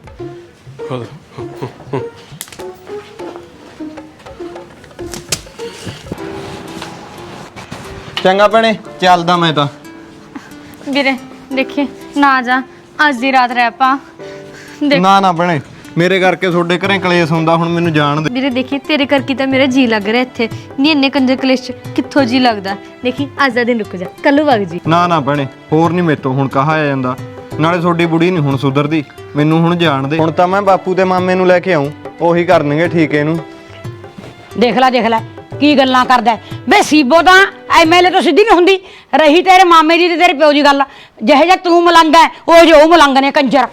S5: ਚੰਗਾ ਭੈਣੇ ਚੱਲਦਾ ਮੈਂ ਤਾਂ।
S4: ਵੀਰੇ ਦੇਖੀ ਨਾ ਜਾ ਅੱਜ ਦੀ ਰਾਤ ਰਹਿ ਪਾ ਦੇਖ
S5: ਨਾ ਨਾ ਭੈਣੇ ਮੇਰੇ ਕਰਕੇ ਤੁਹਾਡੇ ਘਰੇ ਕਲੇਸ਼ ਹੁੰਦਾ ਹੁਣ ਮੈਨੂੰ ਜਾਣ ਦੇ।
S4: ਵੀਰੇ ਦੇਖੀ ਤੇਰੇ ਕਰਕੇ ਤਾਂ ਮੇਰਾ ਜੀ ਲੱਗ ਰਿਹਾ ਇੱਥੇ ਨਹੀਂ ਇੰਨੇ ਕੰਜਰ ਕਲੇਸ਼ 'ਚ ਕਿੱਥੋਂ ਜੀ ਲੱਗਦਾ ਦੇਖੀ ਅੱਜ ਦਾ ਦਿਨ ਰੁਕ ਜਾ ਕੱਲੂ ਵਗ ਜੀ
S5: ਨਾ ਨਾ ਭੈਣੇ ਹੋਰ ਨਹੀਂ ਮੇਤੋਂ ਹੁਣ ਕਹਾ ਆ ਜਾਂਦਾ ਨਾਲੇ ਤੁਹਾਡੀ ਬੁੜੀ ਨਹੀਂ ਹੁਣ ਸੁਧਰਦੀ ਮੈਨੂੰ ਹੁਣ ਜਾਣ ਦੇ। ਹੁਣ ਤਾਂ ਮੈਂ ਬਾਪੂ ਤੇ ਮਾਮੇ ਨੂੰ ਲੈ ਕੇ ਆਉਂ ਉਹੀ ਕਰਨਗੇ ਠੀਕ ਇਹਨੂੰ।
S1: ਦੇਖ ਲੈ ਦੇਖ ਲੈ ਕੀ ਗੱਲਾਂ ਕਰਦਾ ਬੇ ਸੀਬੋ ਤਾਂ ਐਮਐਲਏ ਤੋਂ ਸਿੱਧੀ ਨਹੀਂ ਹੁੰਦੀ ਰਹੀ ਤੇਰੇ ਮਾਮੇ ਦੀ ਤੇ ਤੇਰੇ ਪਿਓ ਦੀ ਗੱਲ ਜਿਹੇ ਜਿਹਾ ਤੂੰ ਮਲੰਗ ਹੈ ਉਹ ਜੋ ਉਹ ਮਲੰਗ ਨੇ ਕੰਜਰ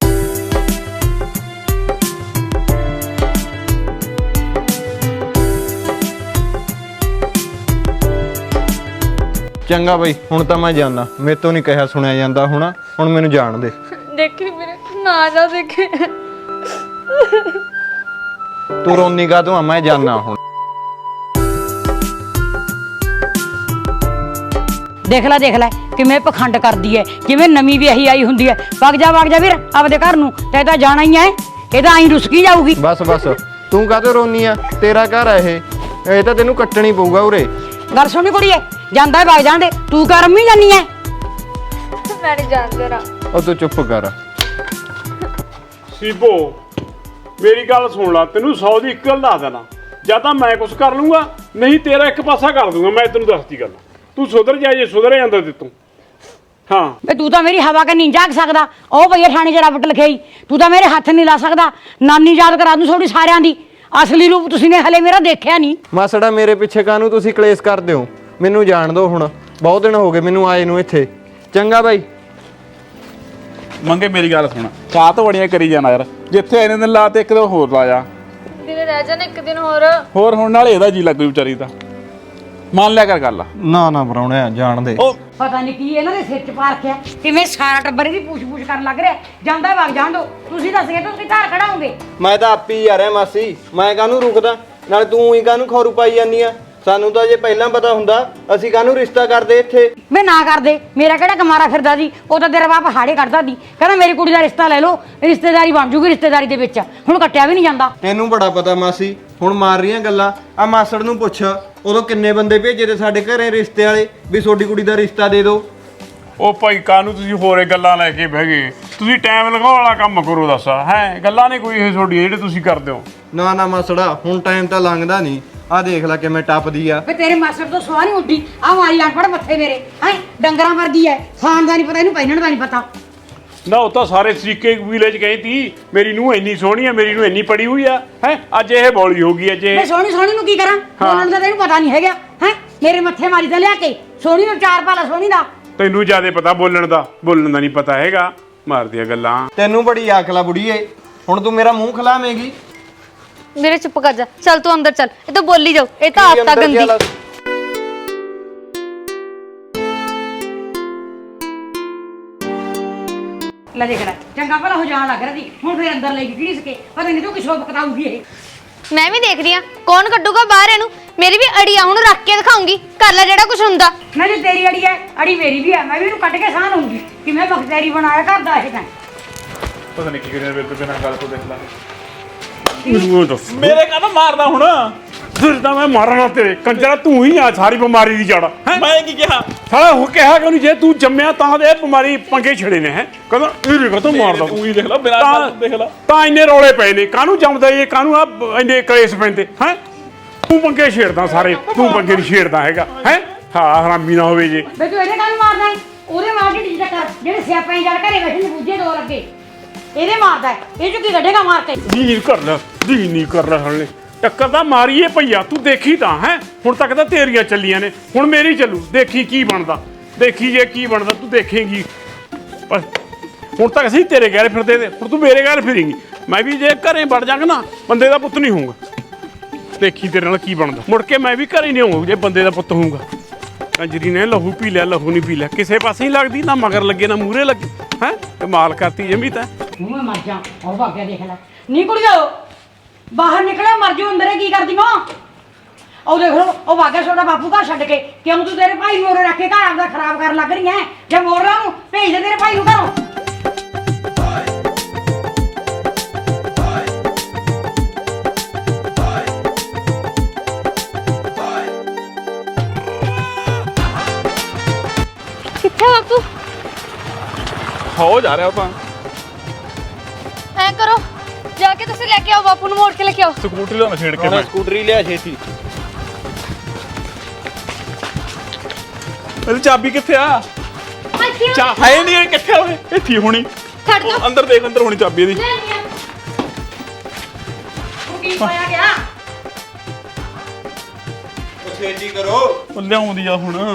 S5: ਚੰਗਾ ਬਈ ਹੁਣ ਤਾਂ ਮੈਂ ਜਾਣਾ ਮੇਤੋਂ ਨਹੀਂ ਕਿਹਾ ਸੁਣਿਆ ਜਾਂਦਾ ਹੁਣ ਹੁਣ ਮੈਨੂੰ ਜਾਣ ਦੇ।
S4: ਦੇਖੀ ਵੀਰੇ ਨਾ ਜਾ ਦੇਖੀ
S5: ਤੂੰ ਰੋਨੀ ਕਾ ਤੂੰ ਮੈਂ ਜਾਣਾ ਹੁਣ।
S1: ਦੇਖ ਲੈ ਦੇਖ ਲੈ ਕਿਵੇਂ ਪਖੰਡ ਕਰਦੀ ਐ ਜਿਵੇਂ ਨਵੀਂ ਵਿਆਹੀ ਆਈ ਹੁੰਦੀ ਐ ਵਗ ਜਾ ਵਗ ਜਾ ਵੀਰ ਆਪਦੇ ਘਰ ਨੂੰ ਤੇ ਤਾਂ ਜਾਣਾ ਹੀ ਐ ਇਹ ਤਾਂ ਆਈ ਰੁਸਕੀ ਜਾਊਗੀ।
S5: ਬਸ ਬਸ ਤੂੰ ਕਾਹਤੋਂ ਰੋਨੀ ਆ ਤੇਰਾ ਘਰ ਆ ਇਹ ਇਹ ਤਾਂ ਤੈਨੂੰ ਕੱਟਣੀ ਪਊਗਾ ਉਰੇ।
S1: ਗੱਲ ਸੁਣੀ ਕੁੜੀਏ ਜਾਂਦਾ ਹੈ ਵਗ ਜਾਂਦੇ ਤੂੰ ਕਰ ਅੰਮੀ ਜਾਨੀ ਐ
S4: ਮੈਂ ਨਹੀਂ ਜਾਣਦਾ ਰਾ
S5: ਉਹ ਤੂੰ ਚੁੱਪ ਕਰ।
S3: ਸੀਬੋ ਮੇਰੀ ਗੱਲ ਸੁਣ ਲੈ ਤੈਨੂੰ ਸੌ ਦੀ ਇੱਕ ਗੱਲ ਦੱਸ ਦੇਣਾ ਜਾਂ ਤਾਂ ਮੈਂ ਕੁਝ ਕਰ ਲੂੰਗਾ ਨਹੀਂ ਤੇਰਾ ਇੱਕ ਪਾਸਾ ਕਰ ਦੂੰਗਾ ਮੈਂ ਤੈਨੂੰ ਦੱਸਦੀ ਗੱਲ ਤੂੰ ਸੁਧਰ ਜਾ ਜੇ ਸੁਧਰ ਜਾਂਦਾ ਤੇ ਤੂੰ ਹਾਂ
S1: ਵੇ ਤੂੰ ਤਾਂ ਮੇਰੀ ਹਵਾ ਕੇ ਨਹੀਂ ਜਾਗ ਸਕਦਾ ਉਹ ਭਈਆ ਥਾਣੇ 'ਚ ਰੱਬਟ ਲਿਖਾਈ ਤੂੰ ਤਾਂ ਮੇਰੇ ਹੱਥ ਨਹੀਂ ਲਾ ਸਕਦਾ ਨਾਨੀ ਯਾਦ ਕਰਾ ਦੂੰ ਥੋੜੀ ਸਾਰਿਆਂ ਦੀ ਅਸਲੀ ਰੂਪ ਤੁਸੀਂ ਨੇ ਹਲੇ ਮੇਰਾ ਦੇਖਿਆ ਨਹੀਂ।
S5: ਮਾਸੜਾ ਮੇਰੇ ਪਿੱਛੇ ਕਾਹਨੂੰ ਤੁਸੀਂ ਕਲੇਸ਼ ਕਰਦੇ ਹੋ ਮੈਨੂੰ ਜਾਣ ਦਿਓ ਹੁਣ ਬਹੁਤ ਦਿਨ ਹੋ ਗਏ ਮੈਨੂੰ ਆਏ ਨੂੰ ਇੱਥੇ। ਚੰਗਾ ਬਾਈ
S6: ਮੰਗੇ ਮੇਰੀ ਗੱਲ ਸੁਣ ਚਾਹ ਤਾਂ ਬੜੀਆਂ ਕਰੀ ਜਾਣਾ ਯਾਰ ਜਿੱਥੇ ਇਹਨੇ ਦਿਨ ਲਾ ਤੇ ਇੱਕ ਦਿਨ ਹੋਰ ਲਾ ਜਾ
S4: ਵੀਰੇ ਰਹਿ ਜਾ ਨਾ ਇੱਕ ਦਿਨ ਹੋਰ
S6: ਹੋਰ ਹੁਣ ਨਾਲ ਇਹਦਾ ਜੀ ਲੱਗੂ ਵਿਚਾਰੀ ਦਾ ਮੰਨ ਲਿਆ ਕਰ ਗੱਲ।
S5: ਨਾ ਨਾ ਪਰਾਉਣਿਆ ਜਾਣ ਦੇ।
S6: ਉਹ
S1: ਪਤਾ ਨਹੀਂ ਕੀ ਇਹਨਾਂ ਦੇ ਸਿਰ 'ਚ ਪਾ ਰੱਖਿਆ ਕਿਵੇਂ ਸਾਰਾ ਟੱਬਰ ਇਹਦੀ ਪੂਛ-ਪੂਛ ਕਰਨ ਲੱਗ ਰਿਹਾ ਜਾਂਦਾ ਵਗ ਜਾਣ ਦੋ ਤੁਸੀਂ ਦੱਸ ਗਏ ਤੁਸੀਂ ਘਰ ਖੜਾਓਗੇ।
S5: ਮੈਂ ਤਾਂ ਆਪੀ ਹੀ ਆ ਰਿਹਾ ਮਾਸੀ ਮੈਂ ਕਾਹਨੂੰ ਰੁਕਦਾ ਨਾਲੇ ਤੂੰ ਹੀ ਕਾਹਨੂੰ ਖੌਰੂ ਪਾਈ ਜਾਂਦੀ ਆ ਸਾਨੂੰ ਤਾਂ ਜੇ ਪਹਿਲਾਂ ਪਤਾ ਹੁੰਦਾ ਅਸੀਂ ਕਾਹਨੂੰ ਰਿਸ਼ਤਾ ਕਰਦੇ ਇੱਥੇ।
S1: ਮੈਂ ਨਾ ਕਰਦੇ ਮੇਰਾ ਕਿਹੜਾ ਕਮਾਰਾ ਫਿਰਦਾ ਸੀ ਉਹ ਤਾਂ ਤੇਰਾ ਬਾਪ ਹਾੜੇ ਕੱਢਦਾ ਸੀ ਕਹਿੰਦਾ ਮੇਰੀ ਕੁੜੀ ਦਾ ਰਿਸ਼ਤਾ ਲੈ ਲਓ ਰਿਸ਼ਤੇਦਾਰੀ ਬਣ ਜੂਗੀ ਰਿਸ਼ਤੇਦਾਰੀ ਦੇ ਵਿੱਚ ਹੁਣ ਕੱਟਿਆ ਵੀ ਨਹੀਂ ਜਾਂਦਾ।
S5: ਤੈਨੂੰ ਬੜਾ ਪਤਾ ਮਾਸੀ ਹੁਣ ਮਾਰ ਰਹੀਆਂ ਗੱਲਾਂ ਆ ਮਾਸੜ ਨੂੰ ਪੁੱਛ ਉਦੋਂ ਕਿੰਨੇ ਬੰਦੇ ਭੇਜੇ ਤੇ ਸਾਡੇ ਘਰੇ ਰਿਸ਼ਤੇ ਵਾਲੇ ਵੀ ਤੁਹਾਡੀ ਕੁੜੀ ਦਾ ਰਿਸ਼ਤਾ ਦੇ ਦਿਓ।
S3: ਉਹ ਭਾਈ ਕਾਹਨੂੰ ਤੁਸੀਂ ਹੋਰੇ ਗੱਲਾਂ ਲੈ ਕੇ ਬਹਿ ਗਏ ਤੁਸੀਂ ਟਾਈਮ ਲਗਾਉਣ ਵਾਲਾ ਕੰਮ ਕਰੋ ਦੱਸ ਹੈ ਗੱਲਾਂ ਨੇ ਕੋਈ ਇਹ ਤੁਹਾਡੀਆਂ ਜਿਹੜੇ ਤੁਸੀਂ ਕਰਦੇ ਹੋ।
S5: ਨਾ ਨਾ ਮਾਸੜਾ ਹੁਣ ਟਾਈਮ ਤਾਂ ਲੰਘਦਾ ਨਹੀਂ ਆ ਦੇਖ ਲੈ ਕਿਵੇਂ ਟੱਪਦੀ ਆ।
S1: ਵੇ ਤੇਰੇ ਮਾਸਟਰ ਤੋਂ ਸਵਾਹ ਨਹੀਂ ਉੱਡੀ ਆ ਮਾਰੀ ਅਨਪੜ ਮੱਥੇ ਮੇਰੇ ਹੈ ਡੰਗਰਾਂ ਵਰਗੀ ਐ ਖਾਣ ਦਾ ਨਹੀਂ ਪਤਾ ਇਹਨੂੰ ਪਹਿਨਣ ਦਾ ਨਹੀਂ ਪਤਾ।
S3: ਨਾ ਉਹ ਤਾਂ ਸਾਰੇ ਤਰੀਕੇ ਵਿਲੇਜ ਗਏ ਤੀ ਮੇਰੀ ਨੂੰ ਇੰਨੀ ਸੋਹਣੀ ਆ ਮੇਰੀ ਨੂੰ ਇੰਨੀ ਪੜੀ ਹੋਈ ਆ ਹੈ ਅੱਜ ਇਹ ਬੋਲੀ ਹੋ ਗਈ ਅੱਜ
S1: ਮੈਂ
S3: ਇਹ
S1: ਸੋਹਣੀ ਸੋਹਣੀ ਨੂੰ ਕੀ ਕਰਾਂ ਬੋਲਣ ਦਾ ਤੈਨੂੰ ਪਤਾ ਨਹੀਂ ਹੈਗਾ ਹੈ ਮੇਰੇ ਮੱਥੇ ਮਾਰੀ ਤਾਂ ਲਿਆ ਕੇ ਸੋਹਣੀ ਨੂੰ ਚਾਰ ਭਾਲਾ ਸੋਹਣੀ ਦਾ
S3: ਤੈਨੂੰ ਜਿਆਦਾ ਪਤਾ ਬੋਲਣ ਦਾ ਬੋਲਣ ਦਾ ਨਹੀਂ ਪਤਾ ਹੈਗਾ ਮਾਰਦੀਆਂ ਗੱਲਾਂ।
S5: ਤੈਨੂੰ ਬੜੀ ਅਕਲ ਆ ਬੁੜੀਏ ਹੁਣ ਤੂੰ ਮੇਰਾ ਮੂੰਹ ਖਲਾਵੇਂਗੀ।
S4: ਮੇਰੇ ਚੁੱਪ ਕਰ ਜਾ ਚੱਲ ਤੂੰ ਅੰਦਰ ਚੱਲ ਇਹ ਤਾਂ ਬੋਲੀ ਜਾਓ ਇਹ ਤਾਂ ਆਪ ਤਾਂ ਗੰਦੀ
S1: ਲੈ ਦੇਖ ਲੈ ਚੰਗਾ ਭਲਾ ਹੋ ਜਾਣ ਲੱਗ ਰਿਹਾ ਸੀ ਹੁਣ ਫੇਰ ਅੰਦਰ ਲੈ ਕੇ ਕਿਹੜੀ ਸਕੇ ਪਤਾ ਨਹੀਂ ਤੂੰ ਕਿਸੋਂ ਬਕਤਾਊਗੀ ਇਹ।
S4: ਮੈਂ ਵੀ ਦੇਖ ਰਹੀ ਆ ਕੌਣ ਕੱਢੂਗਾ ਬਾਹਰ ਇਹਨੂੰ ਮੇਰੀ ਵੀ ਅੜੀ ਆ ਹੁਣ ਰੱਖ ਕੇ ਦਿਖਾਉਂਗੀ ਕਰ ਲੈ ਜਿਹੜਾ ਕੁਝ ਹੁੰਦਾ।
S1: ਨਾ ਜੇ ਤੇਰੀ ਅੜੀ ਹੈ ਅੜੀ ਮੇਰੀ ਵੀ ਹੈ ਮੈਂ ਵੀ ਇਹਨੂੰ ਕੱਢ ਕੇ ਸਾਹ ਲਊਂਗੀ ਕਿਵੇਂ ਬਖਤੇਰੀ ਬਣਾਇਆ ਕਰਦਾ ਇਹ ਤਾਂ
S6: ਪਤਾ ਨਹੀਂ ਕੀ ਕਰਿਆ ਮੇਰੇ ਤੋਂ ਬਿਨਾਂ ਗੱਲ ਤੋਂ ਦੇਖ ਲਾ
S3: ਮੈਨੂੰ ਦੱਸ
S6: ਮੇਰੇ ਕਾਹਦਾ ਮਾਰਦਾ ਹੁਣ
S3: ਫਿਰ ਤਾਂ ਮੈਂ ਮਾਰਨਾ ਤੇਰੇ ਕੰਜਰਾ ਤੂੰ ਹੀ ਆ ਸਾਰੀ ਬਿਮਾਰੀ ਦੀ ਜੜ ਹੈ
S6: ਮੈਂ ਕੀ ਕਿਹਾ
S3: ਸਾਲਾ ਉਹ ਕਿਹਾ ਕਿ ਉਹਨੂੰ ਜੇ ਤੂੰ ਜੰਮਿਆ ਤਾਂ ਦੇ ਬਿਮਾਰੀ ਪੰਗੇ ਛੜੇ ਨੇ ਹੈ ਕਹਿੰਦਾ ਇਹ ਰੇ ਕਦੋਂ ਮਾਰਦਾ
S6: ਤੂੰ ਹੀ ਦੇਖ ਲਾ ਬਿਨਾਂ ਗੱਲ ਤੋਂ ਦੇਖ ਲਾ
S3: ਤਾਂ ਇੰਨੇ ਰੌਲੇ ਪਏ ਨੇ ਕਾਹਨੂੰ ਜੰਮਦਾ ਇਹ ਕਾਹਨੂੰ ਆ ਇੰਨੇ ਕਲੇਸ਼ ਪੈਂਦੇ ਹੈ ਤੂੰ ਪੰਗੇ ਛੇੜਦਾ ਸਾਰੇ ਤੂੰ ਪੰਗੇ ਨਹੀਂ ਛੇੜਦਾ ਹੈਗਾ ਹੈ ਹਾਂ ਹਰਾਮੀ ਨਾ ਹੋਵੇ ਜੇ
S1: ਬੇ ਤੂੰ ਇਹਦੇ ਕਾਹਨੂੰ ਮਾਰਦਾ ਹੈ ਉਹਦੇ ਮਾਰ ਕੇ ਢੀਜਾ ਕਰ ਜਿਹੜੇ ਸਿਆਪਾਂ ਜੜ ਘਰੇ ਬੈਠੇ ਨੇ ਬੂਝੇ ਦੋ ਲੱਗੇ ਇਹਦੇ ਮਾਰਦਾ ਹੈ ਇਹ ਜੋ ਕੀ ਕੱਢੇਗਾ ਮਾਰ ਕੇ
S3: ਜੀ ਕਰ ਲੈ ਜੀ ਨਹੀਂ ਕਰ ਲੈ ਹਲੇ ਟੱਕਰ ਤਾਂ ਮਾਰੀਏ ਭਈਆ ਤੂੰ ਦੇਖੀ ਤਾਂ ਹੈ ਹੁਣ ਤੱਕ ਤਾਂ ਤੇਰੀਆਂ ਚੱਲੀਆਂ ਨੇ ਹੁਣ ਮੇਰੀ ਚੱਲੂ ਦੇਖੀ ਕੀ ਬਣਦਾ ਦੇਖੀ ਜੇ ਕੀ ਬਣਦਾ ਤੂੰ ਦੇਖੇਂਗੀ ਪਰ ਹੁਣ ਤੱਕ ਅਸੀਂ ਤੇਰੇ ਗੈਰ ਫਿਰਦੇ ਤੇ ਹੁਣ ਤੂੰ ਮੇਰੇ ਗੈਰ ਫਿਰੇਂਗੀ ਮੈਂ ਵੀ ਜੇ ਘਰੇ ਵੜ ਜਾਵਾਂਗਾ ਨਾ ਬੰਦੇ ਦਾ ਪੁੱਤ ਨਹੀਂ ਹੋਊਗਾ ਦੇਖੀ ਤੇਰੇ ਨਾਲ ਕੀ ਬਣਦਾ ਮੁੜ ਕੇ ਮੈਂ ਵੀ ਘਰੇ ਨਹੀਂ ਹੋਊਗਾ ਜੇ ਬੰਦੇ ਦਾ ਪੁੱਤ ਹੋਊਗਾ ਕੰਜਰੀ ਨੇ ਲਹੂ ਪੀ ਲਿਆ ਲਹੂ ਨਹੀਂ ਪੀ ਲਿਆ ਕਿਸੇ ਪਾਸੇ ਹੀ ਲੱਗਦੀ ਨਾ ਮਗਰ ਲੱਗੇ ਨਾ ਮੂਹਰੇ ਲੱਗੇ ਹੈ ਕਮਾਲ ਕਰਤੀ ਜਮੀ ਤਾਂ
S1: ਤੂੰ ਮੈਂ ਮਰ ਜਾ ਉਹ ਭਾਗਿਆ ਦੇਖ ਲੈ ਨੀ ਕੁੜੀਓ ਬਾਹਰ ਨਿਕਲਿਆ ਮਰ ਜਾਓ ਅੰਦਰੇ ਕੀ ਕਰਦੀ ਮਾਂ ਉਹ ਦੇਖ ਲੋ ਉਹ ਭਾਗਿਆ ਛੋਟਾ ਬਾਪੂ ਘਰ ਛੱਡ ਕੇ ਕਿਉਂ ਤੂੰ ਤੇਰੇ ਭਾਈ ਨੂੰ ਉਰੇ ਰੱਖ ਕੇ ਘਰ ਆਪਦਾ ਖਰਾਬ ਕਰਨ ਲੱਗ ਰਹੀ ਐ ਜੇ ਮੋੜ ਲਾ ਉਹਨੂੰ ਭੇਜ ਦੇ ਤੇਰੇ ਭਾਈ ਨੂੰ ਘਰੋਂ
S4: ਕਿੱਥੇ ਬਾਪੂ
S6: ਹੋ ਜਾ ਰਿਹਾ ਉਹ ਤਾਂ
S4: ਐ ਕਰੋ ਜਾ ਕੇ ਤੁਸੀਂ ਲੈ ਕੇ ਆਓ ਬਾਪੂ ਨੂੰ ਮੋੜ ਕੇ ਲੈ ਕੇ ਆਓ
S6: ਸਕੂਟਰੀ ਦਾ ਛੇੜ ਕੇ ਮੈਂ
S5: ਸਕੂਟਰੀ ਲਿਆ ਛੇਤੀ
S6: ਇਹਦੀ ਚਾਬੀ ਕਿੱਥੇ ਆ ਚਾ ਹੈ ਨਹੀਂ ਇਹ ਕਿੱਥੇ ਹੋਏ ਇੱਥੇ ਹੋਣੀ
S4: ਛੱਡ ਦੋ
S6: ਅੰਦਰ ਦੇਖ ਅੰਦਰ ਹੋਣੀ ਚਾਬੀ ਇਹਦੀ
S1: ਕੀ ਹੋਇਆ ਗਿਆ
S5: ਛੇਤੀ ਕਰੋ
S6: ਉਹ ਲਿਆਉਂਦੀ ਆ ਹੁਣ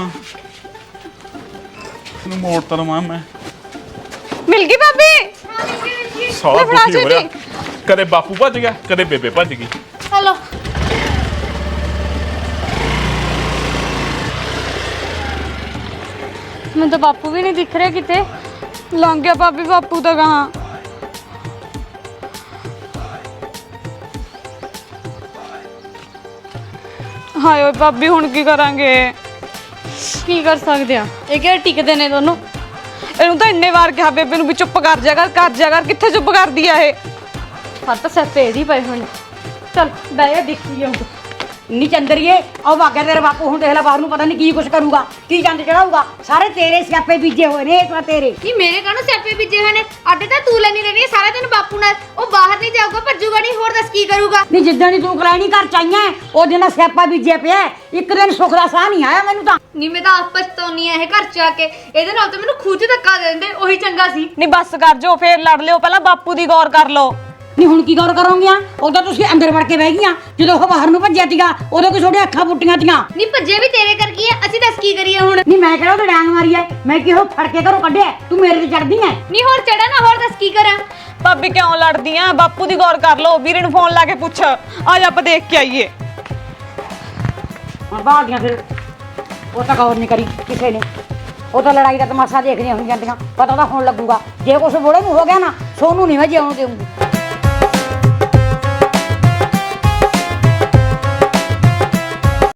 S6: ਇਹਨੂੰ ਮੋੜ ਤਾਂ ਲਵਾਂ ਮੈਂ
S7: ਮਿਲ ਗਈ ਭਾਬੀ
S6: ਸਾਰਾ
S7: ਲੈ ਫੜਾ
S6: ਦੁਖੀ ਹੋ ਰਿਹਾ
S7: ਛੇਤੀ।
S6: ਕਦੇ ਬਾਪੂ ਭੱਜ ਗਿਆ ਕਦੇ ਬੇਬੇ ਭੱਜ ਗਈ
S4: ਹਲੋ ਮੈਨੂੰ ਤਾਂ ਬਾਪੂ ਵੀ ਨਹੀਂ ਦਿਖ ਰਿਹਾ ਕਿਤੇ
S7: ਲੰਘ ਗਿਆ ਭਾਬੀ ਬਾਪੂ ਤਾਂ ਕਹਾਂ ਹਾਏ ਓਏ ਭਾਬੀ ਹੁਣ ਕੀ ਕਰਾਂਗੇ
S4: ਕੀ ਕਰ ਸਕਦੇ ਆ ਇਹ ਕਿਹੜੇ ਟਿਕਦੇ ਨੇ ਦੋਨੋਂ
S7: ਇਹਨੂੰ ਤਾਂ ਇੰਨੇ ਵਾਰ ਕਿਹਾ ਬੇਬੇ ਨੂੰ ਵੀ ਚੁੱਪ ਕਰ ਜਾ ਕਰ ਕਰ ਜਾ ਕਰ ਕਿੱਥੇ ਚੁੱਪ ਕਰਦੀ ਆ ਇਹ
S4: ਹੱਥ ਸਿਰ ਤੇ ਇਹਦੀ ਪਏ ਹੁਣ
S1: ਚੱਲ ਬਹਿ ਜਾ ਦੇਖੀ ਜਾਊ ਨੀ ਚੰਦਰੀਏ ਉਹ ਭਾਗਿਆ ਤੇਰਾ ਬਾਪੂ ਹੁਣ ਦੇਖ ਲੈ ਬਾਹਰ ਨੂੰ ਪਤਾ ਨਹੀਂ ਕੀ ਕੁਛ ਕਰੂਗਾ ਕੀ ਚੰਦ ਚੜਾਊਗਾ ਸਾਰੇ ਤੇਰੇ ਸਿਆਪੇ ਬੀਜੇ ਹੋਏ ਨੇ ਇਸ ਵਾਰ ਤੇਰੇ
S4: ਨਹੀਂ ਮੇਰੇ ਕਾਹਨੂੰ ਸਿਆਪੇ ਬੀਜੇ ਹੋਏ ਨੇ ਅੱਡੇ ਤਾਂ ਤੂੰ ਲੈਣੀ ਲੈਣੀ ਸਾਰਾ ਦਿਨ ਬਾਪੂ ਨਾਲ ਉਹ ਬਾਹਰ ਨਹੀਂ ਜਾਊਗਾ ਭੱਜੂਗਾ ਨਹੀਂ ਹੋਰ ਦੱਸ ਕੀ ਕਰੂਗਾ
S1: ਨਹੀਂ ਜਿੱਦਾਂ ਦੀ ਤੂੰ ਕਰਾਈ ਨਹੀਂ ਘਰ ਚਾਈਆਂ ਉਹ ਦਿਨ ਸਿਆਪਾ ਬੀਜੇ ਪਿਆ ਇੱਕ ਦਿਨ ਸੁੱਖ ਦਾ ਸਾਹ ਨਹੀਂ ਆਇਆ ਮੈਨੂੰ ਤਾਂ
S4: ਨਹੀਂ ਮੈਂ ਤਾਂ ਆਪ ਪਛਤਾਉਣੀ ਆ ਇਹ ਘਰ ਚ ਆ ਕੇ ਇਹਦੇ ਨਾਲ ਤਾਂ ਮੈਨੂੰ ਖੂਜ ਧੱਕਾ ਦੇ ਦਿੰਦੇ ਉਹੀ ਚੰਗਾ ਸੀ
S7: ਨਹੀਂ ਬੱਸ ਕਰ ਜੋ ਫੇਰ ਲੜ ਲਿਓ ਪਹਿਲਾਂ ਬਾਪੂ ਦੀ ਗੌਰ ਕਰ ਲਓ
S1: ਨਹੀਂ ਹੁਣ ਕੀ ਗੌਰ ਕਰੋਗੀਆਂ ਉਦੋਂ ਤੁਸੀਂ ਅੰਦਰ ਵੜ ਕੇ ਬਹਿ ਗਈਆਂ ਜਦੋਂ ਉਹ ਬਾਹਰ ਨੂੰ ਭੱਜਿਆ ਤੀਗਾ ਉਦੋਂ ਕਿ ਤੁਹਾਡੇ ਅੱਖਾਂ ਪੁੱਟੀਆਂ ਤੀਆਂ
S4: ਨਹੀਂ ਭੱਜੇ ਵੀ ਤੇਰੇ ਕਰਕੇ ਆ ਅਸੀਂ ਦੱਸ ਕੀ ਕਰੀਏ ਹੁਣ
S1: ਨਹੀਂ ਮੈਂ ਕਿਹੜਾ ਉਹ ਡਾਂਗ ਮਾਰੀ ਐ ਮੈਂ ਕਿਹੋ ਫੜ ਕੇ ਘਰੋਂ ਕੱਢਿਆ ਤੂੰ ਮੇਰੇ ਤੇ ਚੜਦੀ ਐ
S4: ਨਹੀਂ ਹੋਰ ਚੜਾ ਨਾ ਹੋਰ ਦੱਸ ਕੀ ਕਰਾਂ
S7: ਭਾਬੀ ਕਿਉਂ ਲੜਦੀ ਆ ਬਾਪੂ ਦੀ ਗੌਰ ਕਰ ਲਓ ਵੀਰੇ ਨੂੰ ਫੋਨ ਲਾ ਕੇ ਪੁੱਛ ਅੱਜ ਆਪਾਂ ਦੇਖ ਕੇ ਆਈਏ
S1: ਹਾਂ ਬਾਹਰ ਫਿਰ ਉਹ ਤਾਂ ਗੌਰ ਨਹੀਂ ਕਰੀ ਕਿਸੇ ਨੇ ਉਹ ਤਾਂ ਲੜਾਈ ਦਾ ਤਮਾਸ਼ਾ ਦੇਖਦੀਆਂ ਹੋਈ ਜਾਂਦੀਆਂ ਪਤਾ ਤਾਂ ਹੁਣ ਲੱਗੂਗਾ ਜੇ ਕੁਛ ਬੋਲੇ ਨੂੰ ਹੋ ਗਿਆ ਨਾ ਸੋਨੂੰ ਨਹੀਂ ਮੈਂ ਜਿਉਣ ਦੇਊਂਗੀ